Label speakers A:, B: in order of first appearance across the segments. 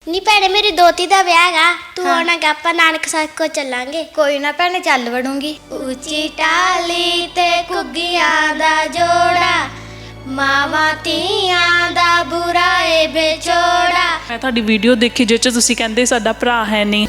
A: ਨੀ ਭੈਣੇ ਮੇਰੀ ਦੋਤੀ ਦਾ ਵਿਆਹ ਹੈਗਾ, ਤੂੰ ਆਉਣਾ ਗਾ, ਆਪਾਂ ਨਾਨਕ ਸਾਹਿਬ ਕੋ ਚੱਲਾਂਗੇ।
B: ਕੋਈ ਨਾ ਭੈਣੇ, ਚੱਲ ਵੜੂੰਗੀ।
A: ਉੱਚੀ ਟਾਲੀ ਤੇ ਘੁੱਗੀਆਂ ਦਾ ਜੋੜਾ, ਮਾਵਾਂ ਧੀਆਂ ਦਾ ਬੁਰਾ ਏ ਵਿਛੋੜਾ।
C: ਮੈਂ ਤੁਹਾਡੀ ਵੀਡੀਓ ਦੇਖੀ ਜਿਸ 'ਚ ਤੁਸੀਂ ਕਹਿੰਦੇ ਸਾਡਾ ਭਰਾ ਹੈ ਨਹੀਂ।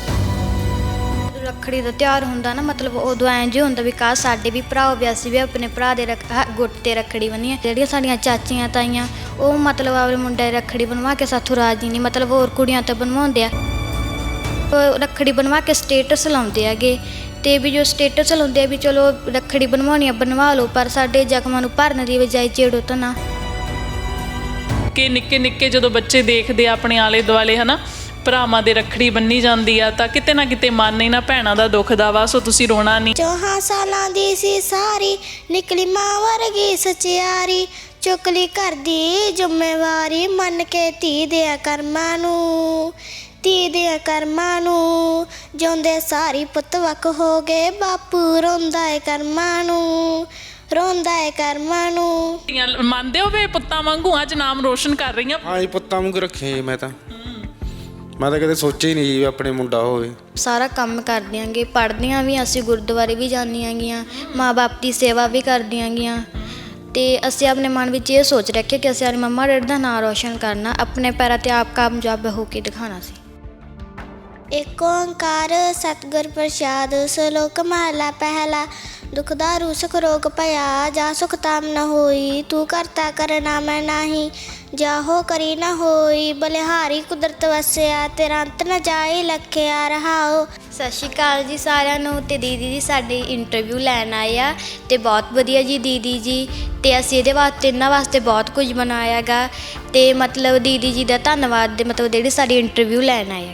B: ਰੱਖੜੀ ਦਾ ਤਿਉਹਾਰ ਹੁੰਦਾ ਨਾ, ਮਤਲਬ ਉਦੋਂ ਐਂ ਜੇ ਹੁੰਦਾ ਵੀ ਕਾਸ਼ ਸਾਡੇ ਵੀ ਭਰਾ ਹੋਵੇ, ਅਸੀਂ ਵੀ ਆਪਣੇ ਭਰਾ ਦੇ ਗੁੱਟ ਤੇ ਰੱਖੜੀ ਬੰਨੀਏ। ਜਿਹੜੀਆਂ ਸਾਡੀਆਂ ਚਾਚੀਆਂ ਤਾਈਆਂ ਉਹ ਮਤਲਬ ਆਪਣੇ ਮੁੰਡੇ ਦੀ ਰੱਖੜੀ ਬਣਵਾ ਕੇ ਸਾਥੋਂ ਰਾਜੀ ਨਹੀਂ, ਮਤਲਬ ਹੋਰ ਕੁੜੀਆਂ ਤੋਂ ਬਣਵਾਉਂਦੇ ਆ। ਉਹ ਰੱਖੜੀ ਬਣਵਾ ਕੇ ਸਟੇਟਸ ਲਾਉਂਦੇ ਹੈਗੇ, ਤੇ ਵੀ ਜੋ ਸਟੇਟਸ ਲਾਉਂਦੇ ਆ ਵੀ ਚਲੋ ਰੱਖੜੀ ਬਣਵਾਉਣੀ ਆ ਬਣਵਾ ਲਓ, ਪਰ ਸਾਡੇ ਜ਼ਖਮਾਂ ਨੂੰ ਭਰਨ ਦੀ ਬਜਾਏ ਛੇੜੋ ਤਾਂ ਨਾ।
C: ਕਿ ਨਿੱਕੇ ਨਿੱਕੇ ਜਦੋਂ ਬੱਚੇ ਦੇਖਦੇ ਆ ਆਪਣੇ ਆਲੇ ਦੁਆਲੇ ਹਨਾ ਭਰਾਵਾਂ ਦੇ ਰੱਖੜੀ ਬੰਨੀ ਜਾਂਦੀ ਆ, ਤਾਂ ਕਿਤੇ ਨਾ ਕਿਤੇ ਮਨ ਇਹਨਾਂ ਭੈਣਾਂ ਦਾ ਦੁਖਦਾ ਵਾ। ਸੋ ਤੁਸੀਂ ਰੋਣਾ ਨਹੀਂ।
A: 4 ਸਾਲਾਂ ਦੀ ਸੀ ਸਾਰੀ, ਨਿਕਲੀ ਮਾਂ ਵਰਗੀ ਸਚਿਆਰੀ, ਚੁੱਕ ਲਈ ਘਰ ਦੀ ਜ਼ਿੰਮੇਵਾਰੀ, ਮੰਨ ਕੇ ਧੀ ਦੇ ਕਰਮਾਂ ਨੂੰ, ਧੀ ਦੇ ਕਰਮਾਂ ਨੂੰ। ਜਿਉਂਦੇ ਸਾਰੀ ਪੁੱਤ ਵੱਖ ਹੋ ਗਏ, ਬਾਪੂ ਰੋਂਦਾ ਏ ਕਰਮਾਂ ਨੂੰ, ਰੋਂਦਾ ਏ ਕਰਮਾਂ ਨੂੰ।
C: ਮੰਨਦੇ ਹੋ ਵੇ ਪੁੱਤਾਂ ਵਾਂਗੂ ਅੱਜ ਨਾਮ ਰੋਸ਼ਨ ਕਰ ਰਹੀਆਂ।
D: ਹਾਂ ਜੀ, ਪੁੱਤਾਂ ਵਾਂਗੂ ਰੱਖੇ ਮੈਂ ਤਾਂ ਕਦੇ ਸੋਚਿਆ ਹੀ ਨਹੀਂ ਜੀ ਆਪਣੇ ਮੁੰਡਾ ਹੋਵੇ।
B: ਸਾਰਾ ਕੰਮ ਕਰਦੀਆਂ ਗੇ, ਪੜ੍ਹਦੀਆਂ ਵੀ, ਅਸੀਂ ਗੁਰਦੁਆਰੇ ਵੀ ਜਾਂਦੀਆਂ ਗੀਆਂ, ਮਾਂ ਬਾਪ ਦੀ ਸੇਵਾ ਵੀ ਕਰਦੀਆਂ ਗੀਆਂ। ਤੇ ਅਸੀਂ ਆਪਣੇ ਮਨ ਵਿੱਚ ਇਹ ਸੋਚ ਰੱਖਿਆ ਕਿ ਅਸੀਂ ਆਪਣੀ ਮੰਮਾ ਡੈਡੀ ਦਾ ਨਾਂ ਰੋਸ਼ਨ ਕਰਨਾ, ਆਪਣੇ ਪੈਰਾਂ 'ਤੇ ਆਪ ਕਾਮਯਾਬ ਹੋ ਕੇ ਦਿਖਾਉਣਾ ਸੀ।
A: ਏਕ ਓੰਕਾਰ ਸਤਿਗੁਰ ਪ੍ਰਸਾਦ, ਸ਼ਲੋਕ ਮਹਲਾ ਪਹਿਲਾ। ਦੁਖ ਦਾਰੂ ਸੁਖ ਰੋਗ ਭਇਆ, ਜਾ ਸੁਖ ਤਾਮ ਨ ਹੋਈ, ਤੂੰ ਕਰਤਾ ਕਰਨਾ ਮੈਂ ਨਾਹੀ, ਜਾਹੋ ਕਰੀ ਨਾ ਹੋਈ। ਬਲਿਹਾਰੀ ਕੁਦਰਤ ਵਸਿਆ, ਤੇਰਾ ਅੰਤ ਨ ਜਾਏ ਲਖਿਆ ਰਹਾਓ।
B: ਸਤਿ ਸ਼੍ਰੀ ਅਕਾਲ ਜੀ ਸਾਰਿਆਂ ਨੂੰ। ਤੇ ਦੀਦੀ ਜੀ ਸਾਡੀ ਇੰਟਰਵਿਊ ਲੈਣ ਆਏ ਆ, ਤੇ ਬਹੁਤ ਵਧੀਆ ਜੀ ਦੀਦੀ ਜੀ। ਤੇ ਅਸੀਂ ਇਹਦੇ ਵਾਸਤੇ ਇਹਨਾਂ ਵਾਸਤੇ ਬਹੁਤ ਕੁਝ ਬਣਾਇਆ ਗਾ, ਤੇ ਮਤਲਬ ਦੀਦੀ ਜੀ ਦਾ ਧੰਨਵਾਦ ਦੇ ਮਤਲਬ ਜਿਹੜੀ ਸਾਡੀ ਇੰਟਰਵਿਊ ਲੈਣ ਆਏ ਆ।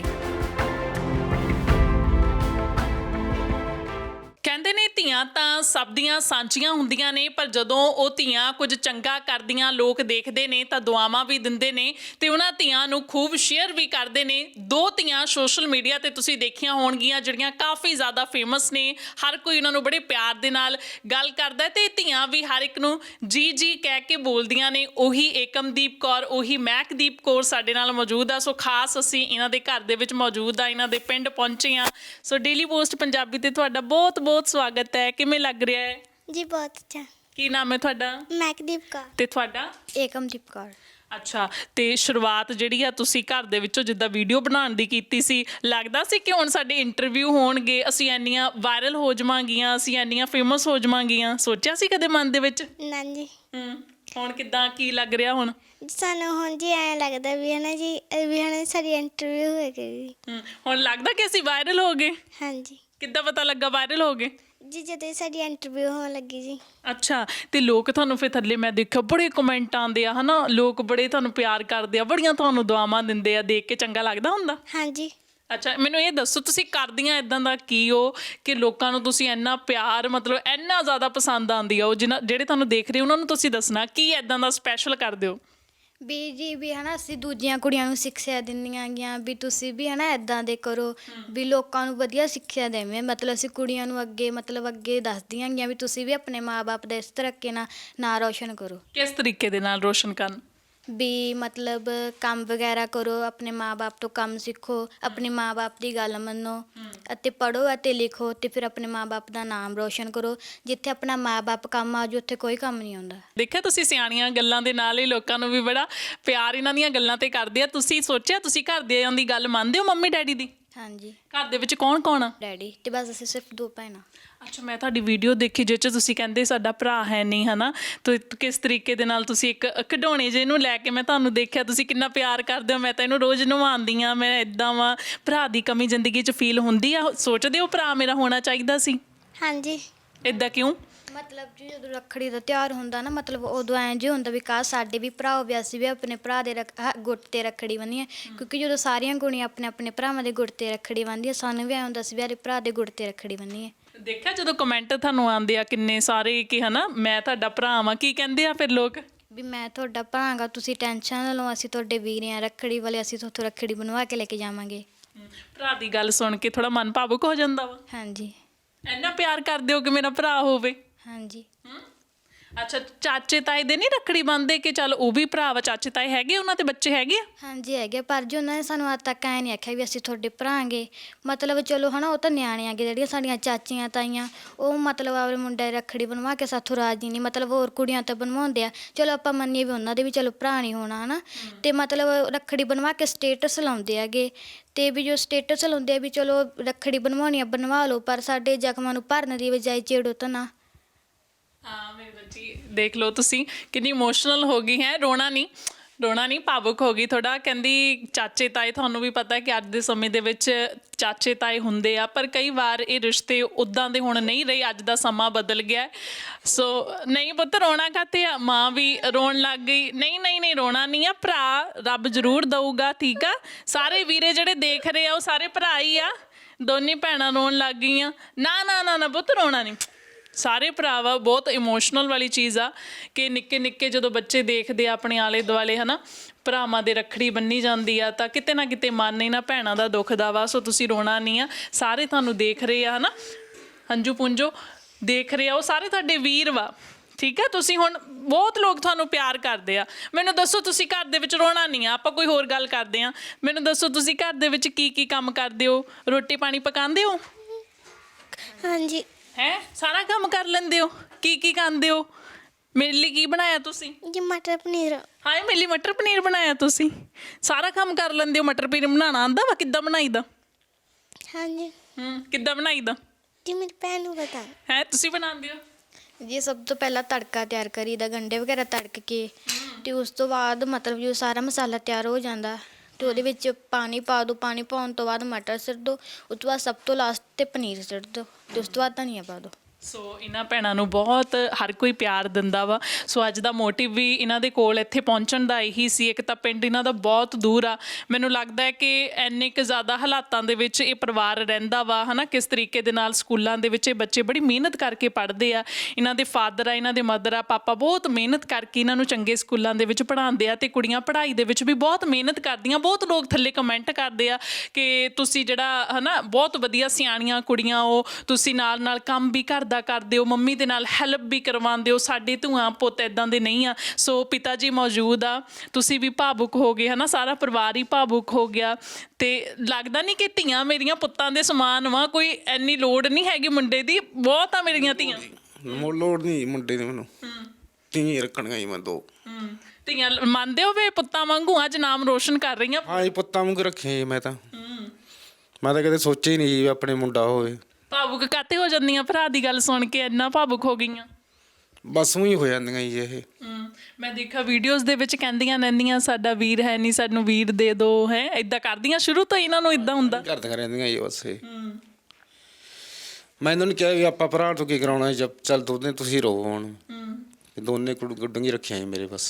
C: ਕਹਿੰਦੇ ਨੇ ਧੀਆਂ ਤਾਂ ਸਭ ਦੀਆਂ ਸਾਂਝੀਆਂ ਹੁੰਦੀਆਂ ਨੇ, ਪਰ ਜਦੋਂ ਉਹ ਧੀਆਂ ਕੁਝ ਚੰਗਾ ਕਰਦੀਆਂ ਲੋਕ ਦੇਖਦੇ ਨੇ ਤਾਂ ਦੁਆਵਾਂ ਵੀ ਦਿੰਦੇ ਨੇ, ਤੇ ਉਹਨਾਂ ਧੀਆਂ ਨੂੰ ਖੂਬ ਸ਼ੇਅਰ ਵੀ ਕਰਦੇ ਨੇ। 2 ਧੀਆਂ ਸੋਸ਼ਲ ਮੀਡੀਆ ਤੇ ਤੁਸੀਂ ਦੇਖੀਆਂ ਹੋਣਗੀਆਂ ਜਿਹੜੀਆਂ ਕਾਫੀ ਜ਼ਿਆਦਾ ਫੇਮਸ ਨੇ, ਹਰ ਕੋਈ ਉਹਨਾਂ ਨੂੰ ਬੜੇ ਪਿਆਰ ਦੇ ਨਾਲ ਗੱਲ ਕਰਦਾ, ਤੇ ਧੀਆਂ ਵੀ ਹਰ ਇੱਕ ਨੂੰ ਜੀ ਜੀ ਕਹਿ ਕੇ ਬੋਲਦੀਆਂ ਨੇ। ਉਹੀ ਏਕਮਦੀਪ ਕੌਰ, ਉਹੀ ਮਹਿਕਦੀਪ ਕੌਰ ਸਾਡੇ ਨਾਲ ਮੌਜੂਦ ਆ। ਸੋ ਖਾਸ ਅਸੀਂ ਇਹਨਾਂ ਦੇ ਘਰ ਦੇ ਵਿੱਚ ਮੌਜੂਦ ਆ, ਇਹਨਾਂ ਦੇ ਪਿੰਡ ਪਹੁੰਚੇ ਆ। ਸੋ ਡੇਲੀ ਪੋਸਟ ਪੰਜਾਬੀ ਤੇ ਤੁਹਾਡਾ ਬਹੁਤ ਬਹੁਤ ਸਵਾਗਤ ਹੈ। ਕਿਵੇਂ ਲੱਗ ਰਿਹਾ ਹੈ
A: ਜੀ? ਬਹੁਤ ਅੱਛਾ।
C: ਕੀ ਨਾਮ ਹੈ ਤੁਹਾਡਾ?
A: ਮਹਿਕਦੀਪ ਕੌਰ।
C: ਤੇ ਤੁਹਾਡਾ?
B: ਏਕਮਦੀਪ ਕੌਰ।
C: ਅੱਛਾ, ਤੇ ਸ਼ੁਰੂਆਤ ਜਿਹੜੀ ਆ ਤੁਸੀਂ ਘਰ ਦੇ ਵਿੱਚੋਂ ਜਿੱਦਾਂ ਵੀਡੀਓ ਬਣਾਉਣ ਦੀ ਕੀਤੀ ਸੀ, ਲੱਗਦਾ ਸੀ ਕਿ ਹੁਣ ਸਾਡੇ ਇੰਟਰਵਿਊ ਹੋਣਗੇ, ਅਸੀਂ ਇੰਨੀਆਂ ਵਾਇਰਲ ਹੋ ਜਾਵਾਂਗੀਆਂ, ਅਸੀਂ ਇੰਨੀਆਂ ਫੇਮਸ ਹੋ ਜਾਵਾਂਗੀਆਂ? ਸੋਚਿਆ ਸੀ ਕਦੇ ਮਨ ਦੇ ਵਿੱਚ?
A: ਨਾ ਜੀ।
C: ਹੁਣ ਕਿੱਦਾਂ, ਕੀ ਲੱਗ ਰਿਹਾ ਹੁਣ?
A: ਸਾਨੂੰ ਹੁਣ ਜੀ ਐਂ ਲੱਗਦਾ ਵੀ ਹੈ ਨਾ ਜੀ, ਵੀ ਹੁਣ ਸਾਡੀ ਇੰਟਰਵਿਊ ਹੋਏਗੀ।
C: ਹੁਣ ਲੱਗਦਾ ਕਿ ਅਸੀਂ ਵਾਇਰਲ ਹੋ ਗਏ?
A: ਹਾਂਜੀ।
C: ਕਿੱਦਾਂ ਪਤਾ ਲੱਗਾ ਵਾਇਰਲ ਹੋ ਗਏ?
A: ਜੀ ਜਦੋਂ ਸਾਡੀ ਇੰਟਰਵਿਊ ਹੋਣ ਲੱਗੀ ਜੀ।
C: ਅੱਛਾ, ਤੇ ਲੋਕ ਤੁਹਾਨੂੰ ਫਿਰ ਥੱਲੇ ਮੈਂ ਦੇਖਿਆ ਬੜੇ ਕਮੈਂਟ ਆਉਂਦੇ ਆ ਹਨਾ, ਲੋਕ ਬੜੇ ਤੁਹਾਨੂੰ ਪਿਆਰ ਕਰਦੇ ਆ, ਬੜੀਆਂ ਤੁਹਾਨੂੰ ਦੁਆਵਾਂ ਦਿੰਦੇ ਆ, ਦੇਖ ਕੇ ਚੰਗਾ ਲੱਗਦਾ ਹੁੰਦਾ?
A: ਹਾਂਜੀ।
C: ਅੱਛਾ, ਮੈਨੂੰ ਇਹ ਦੱਸੋ ਤੁਸੀਂ ਕਰਦੀਆਂ ਇੱਦਾਂ ਦਾ ਕੀ ਹੋ ਕਿ ਲੋਕਾਂ ਨੂੰ ਤੁਸੀਂ ਇੰਨਾ ਪਿਆਰ ਮਤਲਬ ਇੰਨਾ ਜ਼ਿਆਦਾ ਪਸੰਦ ਆਉਂਦੀ ਆ ਉਹ ਜਿਹੜੇ ਤੁਹਾਨੂੰ ਦੇਖ ਰਹੇ ਉਹਨਾਂ ਨੂੰ ਤੁਸੀਂ ਦੱਸਣਾ ਕੀ ਇੱਦਾਂ ਦਾ ਸਪੈਸ਼ਲ ਕਰਦੇ ਹੋ?
B: ਵੀ ਜੀ ਵੀ ਹੈ ਨਾ, ਅਸੀਂ ਦੂਜੀਆਂ ਕੁੜੀਆਂ ਨੂੰ ਸਿੱਖਿਆ ਦਿੰਦੀਆਂ ਗੀਆਂ ਵੀ ਤੁਸੀਂ ਵੀ ਹੈ ਨਾ ਇੱਦਾਂ ਦੇ ਕਰੋ, ਵੀ ਲੋਕਾਂ ਨੂੰ ਵਧੀਆ ਸਿੱਖਿਆ ਦੇਵੇਂ। ਮਤਲਬ ਅਸੀਂ ਕੁੜੀਆਂ ਨੂੰ ਅੱਗੇ ਦੱਸਦੀਆਂ ਗੀਆਂ ਵੀ ਤੁਸੀਂ ਵੀ ਆਪਣੇ ਮਾਂ ਬਾਪ ਦਾ ਇਸ ਤਰੀਕੇ ਨਾਲ ਨਾਂ ਰੋਸ਼ਨ ਕਰੋ।
C: ਕਿਸ ਤਰੀਕੇ ਦੇ ਨਾਲ ਰੋਸ਼ਨ ਕਰਨ?
B: ਵੀ ਮਤਲਬ ਕੰਮ ਵਗੈਰਾ ਕਰੋ, ਆਪਣੇ ਮਾਂ ਬਾਪ ਤੋਂ ਕੰਮ ਸਿੱਖੋ, ਆਪਣੇ ਮਾਂ ਬਾਪ ਦੀ ਗੱਲ ਮੰਨੋ, ਅਤੇ ਪੜ੍ਹੋ ਅਤੇ ਲਿਖੋ, ਅਤੇ ਫਿਰ ਆਪਣੇ ਮਾਂ ਬਾਪ ਦਾ ਨਾਮ ਰੋਸ਼ਨ ਕਰੋ। ਜਿੱਥੇ ਆਪਣਾ ਮਾਂ ਬਾਪ ਕੰਮ ਆ ਜਾਊ ਉੱਥੇ ਕੋਈ ਕੰਮ ਨਹੀਂ ਆਉਂਦਾ।
C: ਦੇਖਿਆ ਤੁਸੀਂ ਸਿਆਣੀਆਂ ਗੱਲਾਂ ਦੇ ਨਾਲ ਹੀ ਲੋਕਾਂ ਨੂੰ ਵੀ ਬੜਾ ਪਿਆਰ ਇਹਨਾਂ ਦੀਆਂ ਗੱਲਾਂ ਤੇ ਕਰਦੇ ਆ। ਤੁਸੀਂ ਸੋਚਿਆ ਤੁਸੀਂ ਘਰਦਿਆਂ ਦੀ ਗੱਲ ਮੰਨਦੇ ਹੋ ਮੰਮੀ ਡੈਡੀ ਦੀ?
B: ਹਾਂਜੀ।
C: ਘਰ ਦੇ ਵਿੱਚ ਕੌਣ ਕੌਣ ਆ?
B: ਡੈਡੀ ਤੇ ਬਸ ਅਸੀਂ ਸਿਰਫ 2 ਭੈਣਾਂ।
C: ਅੱਛਾ, ਮੈਂ ਤੁਹਾਡੀ ਵੀਡੀਓ ਦੇਖੀ ਜਿਸ 'ਚ ਤੁਸੀਂ ਕਹਿੰਦੇ ਸਾਡਾ ਭਰਾ ਹੈ ਨਹੀਂ ਹੈ ਨਾ, ਤੇ ਕਿਸ ਤਰੀਕੇ ਦੇ ਨਾਲ ਤੁਸੀਂ ਇੱਕ ਖਿਡੌਣੇ ਜਿਹੇ ਨੂੰ ਲੈ ਕੇ ਮੈਂ ਤੁਹਾਨੂੰ ਦੇਖਿਆ, ਤੁਸੀਂ ਕਿੰਨਾ ਪਿਆਰ ਕਰਦੇ ਹੋ। ਮੈਂ ਤਾਂ ਇਹਨੂੰ ਰੋਜ਼ ਨਵਾਉਂਦੀ ਹਾਂ, ਮੈਂ ਇੱਦਾਂ ਵਾਂ। ਭਰਾ ਦੀ ਕਮੀ ਜ਼ਿੰਦਗੀ 'ਚ ਫੀਲ ਹੁੰਦੀ ਆ? ਸੋਚਦੇ ਹੋ ਭਰਾ ਮੇਰਾ ਹੋਣਾ ਚਾਹੀਦਾ ਸੀ?
A: ਹਾਂਜੀ।
C: ਇੱਦਾਂ ਕਿਉਂ?
B: ਮਤਲਬ ਜੀ ਜਦੋਂ ਰੱਖੜੀ ਦਾ ਤਿਉਹਾਰ ਹੁੰਦਾ ਨਾ, ਮਤਲਬ ਉਦੋਂ ਐਂ ਜੇ ਹੁੰਦਾ ਵੀ ਕਾਸ਼ ਸਾਡੇ ਵੀ ਭਰਾ ਹੋਵੇ, ਅਸੀਂ ਵੀ ਆਪਣੇ ਭਰਾ ਦੇ ਗੁੱਟ 'ਤੇ ਰੱਖੜੀ ਬੰਨੀਏ। ਕਿਉਂਕਿ ਜਦੋਂ ਸਾਰੀਆਂ ਕੁੜੀਆਂ ਆਪਣੇ ਆਪਣੇ ਭਰਾਵਾਂ ਦੇ ਗੁੱਟ 'ਤੇ ਰੱਖੜੀ ਬੰਨ੍ਹਦੀਆਂ, ਸਾਨੂੰ ਵੀ ਐਂ ਹੁੰਦਾ ਸੀ ਵੀ ਆਪਣੇ ਭਰਾ ਦੇ ਗੁੱਟ 'ਤੇ ਰੱਖੜੀ ਬੰਨੀਏ।
C: ਦੇਖਿਆ ਜਦੋਂ ਕਮੈਂਟ ਤੁਹਾਨੂੰ ਆਉਂਦੇ ਆ ਕਿੰਨੇ ਸਾਰੇ ਕਿ ਹਨਾ ਮੈਂ ਤੁਹਾਡਾ ਭਰਾ ਵਾਂ, ਕੀ ਕਹਿੰਦੇ ਆ ਫਿਰ ਲੋਕ?
B: ਵੀ ਮੈਂ ਤੁਹਾਡਾ ਭਰਾ ਗਾ, ਤੁਸੀਂ ਟੈਨਸ਼ਨ ਨਾ ਲਓ, ਅਸੀਂ ਤੁਹਾਡੇ ਵੀਰ ਹਾਂ, ਰੱਖੜੀ ਵਾਲੇ ਅਸੀਂ ਤੁਹਾਥੋਂ ਰੱਖੜੀ ਬਣਵਾ ਕੇ ਲੈ ਕੇ ਜਾਵਾਂਗੇ।
C: ਭਰਾ ਦੀ ਗੱਲ ਸੁਣ ਕੇ ਥੋੜਾ ਮਨ ਭਾਵੁਕ ਹੋ ਜਾਂਦਾ ਵਾ?
B: ਹਾਂਜੀ।
C: ਇੰਨਾ ਪਿਆਰ ਕਰਦੇ ਹੋ ਕਿ ਮੇਰਾ ਭਰਾ ਹੋਵੇ?
B: ਹਾਂਜੀ।
C: ਅੱਛਾ, ਚਾਚੇ ਤਾਏ ਦੇ ਨਹੀਂ ਰੱਖੜੀ ਬੰਨ੍ਹਦੇ ਕਿ ਚੱਲ ਉਹ ਵੀ ਭਰਾ ਵਾ, ਚਾਚੇ ਤਾਏ ਹੈਗੇ ਉਹਨਾਂ ਦੇ ਬੱਚੇ ਹੈਗੇ ਆ?
B: ਹਾਂਜੀ ਹੈਗੇ, ਪਰ ਜੀ ਉਹਨਾਂ ਨੇ ਸਾਨੂੰ ਅੱਜ ਤੱਕ ਐਂ ਨਹੀਂ ਆਖਿਆ ਵੀ ਅਸੀਂ ਤੁਹਾਡੇ ਭਰਾਂਗੇ। ਮਤਲਬ ਚਲੋ ਹੈ ਨਾ, ਉਹ ਤਾਂ ਨਿਆਣੇ ਆਗੇ, ਜਿਹੜੀਆਂ ਸਾਡੀਆਂ ਚਾਚੀਆਂ ਤਾਈਆਂ ਉਹ ਮਤਲਬ ਆਪਣੇ ਮੁੰਡੇ ਦੀ ਰੱਖੜੀ ਬਣਵਾ ਕੇ ਸਾਥੋਂ ਰਾਜੀ ਨਹੀਂ, ਮਤਲਬ ਹੋਰ ਕੁੜੀਆਂ ਤਾਂ ਬਣਵਾਉਂਦੇ ਆ। ਚਲੋ ਆਪਾਂ ਮੰਨੀਏ ਵੀ ਉਹਨਾਂ ਦੇ ਵੀ ਚਲੋ ਭਰਾ ਨਹੀਂ ਹੋਣਾ ਹੈ ਨਾ, ਅਤੇ ਮਤਲਬ ਰੱਖੜੀ ਬਣਵਾ ਕੇ ਸਟੇਟਸ ਲਾਉਂਦੇ ਹੈਗੇ। ਅਤੇ ਵੀ ਜੋ ਸਟੇਟਸ ਲਾਉਂਦੇ ਆ ਵੀ ਚਲੋ ਰੱਖੜੀ ਬਣਵਾਉਣੀ ਆ ਬਣਵਾ ਲਓ, ਪਰ ਸਾਡੇ ਜ਼ਖਮਾਂ ਨੂੰ ਭਰਨ ਦੀ ਬਜਾਏ ਛੇੜੋ ਤਾਂ ਨਾ।
C: ਹਾਂ ਮੇਰੀ ਬੱਚੀ, ਦੇਖ ਲਓ ਤੁਸੀਂ ਕਿੰਨੀ ਇਮੋਸ਼ਨਲ ਹੋ ਗਈ ਹੈ। ਰੋਣਾ ਨਹੀਂ, ਭਾਵੁਕ ਹੋ ਗਈ ਥੋੜਾ। ਕਹਿੰਦੀ ਚਾਚੇ ਤਾਏ, ਤੁਹਾਨੂੰ ਵੀ ਪਤਾ ਕਿ ਅੱਜ ਦੇ ਸਮੇਂ ਦੇ ਵਿੱਚ ਚਾਚੇ ਤਾਏ ਹੁੰਦੇ ਆ, ਪਰ ਕਈ ਵਾਰ ਇਹ ਰਿਸ਼ਤੇ ਉੱਦਾਂ ਦੇ ਹੁਣ ਨਹੀਂ ਰਹੇ, ਅੱਜ ਦਾ ਸਮਾਂ ਬਦਲ ਗਿਆ। ਸੋ ਨਹੀਂ ਪੁੱਤ, ਰੋਣਾ ਕਾਹਤੇ ਆ? ਮਾਂ ਵੀ ਰੋਣ ਲੱਗ ਗਈ। ਨਹੀਂ ਰੋਣਾ ਨਹੀਂ ਆ, ਭਰਾ ਰੱਬ ਜ਼ਰੂਰ ਦਊਗਾ, ਠੀਕ ਆ। ਸਾਰੇ ਵੀਰੇ ਜਿਹੜੇ ਦੇਖ ਰਹੇ ਆ ਉਹ ਸਾਰੇ ਭਰਾ ਹੀ ਆ, ਦੋਨੇ ਭੈਣਾਂ ਰੋਣ ਲੱਗ ਗਈਆਂ। ਨਾ ਪੁੱਤ, ਰੋਣਾ ਨਹੀਂ, ਸਾਰੇ ਭਰਾ ਵਾ। ਬਹੁਤ ਇਮੋਸ਼ਨਲ ਵਾਲੀ ਚੀਜ਼ ਆ ਕਿ ਨਿੱਕੇ ਨਿੱਕੇ ਜਦੋਂ ਬੱਚੇ ਦੇਖਦੇ ਆ ਆਪਣੇ ਆਲੇ ਦੁਆਲੇ ਹੈ ਨਾ, ਭਰਾਵਾਂ ਦੇ ਰੱਖੜੀ ਬੰਨੀ ਜਾਂਦੀ ਆ, ਤਾਂ ਕਿਤੇ ਨਾ ਕਿਤੇ ਮਨ ਇਹਨਾਂ ਭੈਣਾਂ ਦਾ ਦੁਖਦਾ ਵਾ। ਸੋ ਤੁਸੀਂ ਰੋਣਾ ਨਹੀਂ ਆ, ਸਾਰੇ ਤੁਹਾਨੂੰ ਦੇਖ ਰਹੇ ਆ ਹੈ ਨਾ, ਹੰਝੂ ਪੁੰਝੋ ਦੇਖ ਰਹੇ ਆ, ਉਹ ਸਾਰੇ ਤੁਹਾਡੇ ਵੀਰ ਵਾ, ਠੀਕ ਆ। ਤੁਸੀਂ ਹੁਣ ਬਹੁਤ ਲੋਕ ਤੁਹਾਨੂੰ ਪਿਆਰ ਕਰਦੇ ਆ। ਮੈਨੂੰ ਦੱਸੋ, ਤੁਸੀਂ ਘਰ ਦੇ ਵਿੱਚ ਰੋਣਾ ਨਹੀਂ ਆ, ਆਪਾਂ ਕੋਈ ਹੋਰ ਗੱਲ ਕਰਦੇ ਆ। ਮੈਨੂੰ ਦੱਸੋ, ਤੁਸੀਂ ਘਰ ਦੇ ਵਿੱਚ ਕੀ ਕੰਮ ਕਰਦੇ ਹੋ? ਰੋਟੀ ਪਾਣੀ ਪਕਾਉਂਦੇ ਹੋ?
A: ਹਾਂਜੀ।
C: ਹੈ, ਸਾਰਾ ਕੰਮ ਕਰ ਲੈਂਦੇ ਹੋ? ਕੀ ਖਾਂਦੇ ਹੋ? ਮੇਰੇ ਲਈ ਕੀ ਬਣਾਇਆ ਤੁਸੀਂ?
A: ਜੀ ਮਟਰ ਪਨੀਰ।
C: ਹਾਏ, ਮੇਰੇ ਲਈ ਮਟਰ ਪਨੀਰ ਬਣਾਇਆ ਤੁਸੀਂ? ਸਾਰਾ ਕੰਮ ਕਰ ਲੈਂਦੇ ਹੋ? ਮਟਰ ਪਨੀਰ ਬਣਾਉਣਾ ਆਉਂਦਾ ਵਾ? ਕਿੱਦਾਂ ਬਣਾਈਦਾ?
A: ਹਾਂਜੀ।
C: ਕਿੱਦਾਂ ਬਣਾਈਦਾ?
A: ਜੀ ਮੇਰੀ ਭੈਣ ਨੂੰ ਪਤਾ
C: ਹੈ, ਤੁਸੀਂ ਬਣਾਉਂਦੇ ਹੋ?
B: ਜੀ ਸਭ ਤੋਂ ਪਹਿਲਾਂ ਤੜਕਾ ਤਿਆਰ ਕਰੀਦਾ, ਗੰਢੇ ਵਗੈਰਾ ਤੜਕ ਕੇ, ਅਤੇ ਉਸ ਤੋਂ ਬਾਅਦ ਮਤਲਬ ਜੋ ਸਾਰਾ ਮਸਾਲਾ ਤਿਆਰ ਹੋ ਜਾਂਦਾ ਅਤੇ ਉਹਦੇ ਵਿੱਚ ਪਾਣੀ ਪਾ ਦਿਓ। ਪਾਣੀ ਪਾਉਣ ਤੋਂ ਬਾਅਦ ਮਟਰ ਸਿੱਟ ਦਿਓ, ਉਸ ਤੋਂ ਬਾਅਦ ਸਭ ਤੋਂ ਲਾਸਟ 'ਤੇ ਪਨੀਰ ਸਿੱਟ ਦਿਓ, ਅਤੇ ਉਸ ਤੋਂ ਬਾਅਦ ਧਨੀਆ ਪਾ ਦਿਓ।
C: ਸੋ ਇਹਨਾਂ ਭੈਣਾਂ ਨੂੰ ਬਹੁਤ ਹਰ ਕੋਈ ਪਿਆਰ ਦਿੰਦਾ ਵਾ। ਸੋ ਅੱਜ ਦਾ ਮੋਟਿਵ ਵੀ ਇਹਨਾਂ ਦੇ ਕੋਲ ਇੱਥੇ ਪਹੁੰਚਣ ਦਾ ਇਹੀ ਸੀ। ਇੱਕ ਤਾਂ ਪਿੰਡ ਇਹਨਾਂ ਦਾ ਬਹੁਤ ਦੂਰ ਆ, ਮੈਨੂੰ ਲੱਗਦਾ ਹੈ ਕਿ ਇੰਨੇ ਕੁ ਜ਼ਿਆਦਾ ਹਾਲਾਤਾਂ ਦੇ ਵਿੱਚ ਇਹ ਪਰਿਵਾਰ ਰਹਿੰਦਾ ਵਾ ਹੈ ਨਾ, ਕਿਸ ਤਰੀਕੇ ਦੇ ਨਾਲ ਸਕੂਲਾਂ ਦੇ ਵਿੱਚ ਇਹ ਬੱਚੇ ਬੜੀ ਮਿਹਨਤ ਕਰਕੇ ਪੜ੍ਹਦੇ ਆ। ਇਹਨਾਂ ਦੇ ਫਾਦਰ ਆ, ਇਹਨਾਂ ਦੇ ਮਦਰ ਆ, ਪਾਪਾ ਬਹੁਤ ਮਿਹਨਤ ਕਰਕੇ ਇਹਨਾਂ ਨੂੰ ਚੰਗੇ ਸਕੂਲਾਂ ਦੇ ਵਿੱਚ ਪੜ੍ਹਾਉਂਦੇ ਆ, ਅਤੇ ਕੁੜੀਆਂ ਪੜ੍ਹਾਈ ਦੇ ਵਿੱਚ ਵੀ ਬਹੁਤ ਮਿਹਨਤ ਕਰਦੀਆਂ। ਬਹੁਤ ਲੋਕ ਥੱਲੇ ਕਮੈਂਟ ਕਰਦੇ ਆ ਕਿ ਤੁਸੀਂ ਜਿਹੜਾ ਹੈ ਨਾ, ਬਹੁਤ ਵਧੀਆ ਸਿਆਣੀਆਂ ਕੁੜੀਆਂ ਹੋ, ਤੁਸੀਂ ਨਾਲ ਕੰਮ ਵੀ ਕਰਦਾ ਕਰਦੇ ਹੋ, ਮੰਮੀ ਦੇ ਨਾਲ ਹੈਲਪ ਵੀ ਕਰਵਾਉਂਦੇ ਹੋ। ਸਾਡੇ ਧੂਆਂ ਪੁੱਤ ਇੱਦਾਂ ਦੇ ਨਹੀਂ ਆ। ਸੋ ਪਿਤਾ ਜੀ ਮੌਜੂਦ ਆ, ਤੁਸੀਂ ਵੀ ਭਾਵੁਕ ਹੋ ਗਏ ਹੈ ਨਾ, ਸਾਰਾ ਪਰਿਵਾਰ ਹੀ ਭਾਵੁਕ ਹੋ ਗਿਆ। ਅਤੇ ਲੱਗਦਾ ਨਹੀਂ ਕਿ ਧੀਆਂ ਮੇਰੀਆਂ ਪੁੱਤਾਂ ਦੇ ਸਮਾਨ ਵਾ, ਕੋਈ ਇੰਨੀ ਲੋੜ ਨਹੀਂ ਹੈਗੀ ਮੁੰਡੇ ਦੀ, ਬਹੁਤ ਆ ਮੇਰੀਆਂ ਧੀਆਂ।
D: ਲੋੜ ਨਹੀਂ ਮੁੰਡੇ ਦੀ, ਮੈਨੂੰ ਧੀ ਰੱਖਣੀਆਂ ਹੀ ਮੈਂ ਦੋ।
C: ਧੀਆਂ ਮੰਨਦੇ ਹੋ ਵੀ ਪੁੱਤਾਂ ਵਾਂਗੂ ਅੱਜ ਨਾਮ ਰੋਸ਼ਨ ਕਰ ਰਹੀਆਂ?
D: ਹਾਂ ਜੀ, ਪੁੱਤਾਂ ਵਾਂਗੂ ਰੱਖੇ ਮੈਂ ਤਾਂ ਕਦੇ ਸੋਚਿਆ ਹੀ ਨਹੀਂ ਜੀ ਆਪਣੇ ਮੁੰਡਾ ਹੋਵੇ।
C: ਭਾਵੁਕ ਕਾਤੇ ਹੋ ਜਾਂਦੀਆਂ ਭਰਾ ਦੀ ਗੱਲ ਸੁਣ ਕੇ, ਇੰਨਾ ਭਾਵੁਕ ਹੋ ਗਈਆਂ?
D: ਬਸ ਉਹੀ ਹੋ ਜਾਂਦੀਆਂ ਜੀ ਇਹ।
C: ਮੈਂ ਦੇਖਿਆ ਵੀਡੀਓਜ਼ ਦੇ ਵਿੱਚ ਕਹਿੰਦੀਆਂ ਰਹਿੰਦੀਆਂ ਸਾਡਾ ਵੀਰ ਹੈ ਨਹੀਂ, ਸਾਨੂੰ ਵੀਰ ਦੇ ਦਿਓ, ਹੈ ਇੱਦਾਂ ਕਰਦੀਆਂ ਸ਼ੁਰੂ ਤੋਂ ਇਹਨਾਂ ਨੂੰ ਇੱਦਾਂ ਹੁੰਦਾ?
D: ਕਰਦੀਆਂ ਰਹਿੰਦੀਆਂ ਜੀ ਬਸ ਇਹ। ਮੈਂ ਇਹਨਾਂ ਨੂੰ ਕਿਹਾ ਵੀ ਆਪਾਂ ਭਰਾ ਤੋਂ ਕੀ ਕਰਾਉਣਾ, ਚੱਲ ਦੋਨੇ ਤੁਸੀਂ ਰਹੋ ਹੁਣ। ਦੋਨੇ ਗੁੱਡੀਆਂ ਰੱਖੀਆਂ ਜੀ ਮੇਰੇ ਬਸ।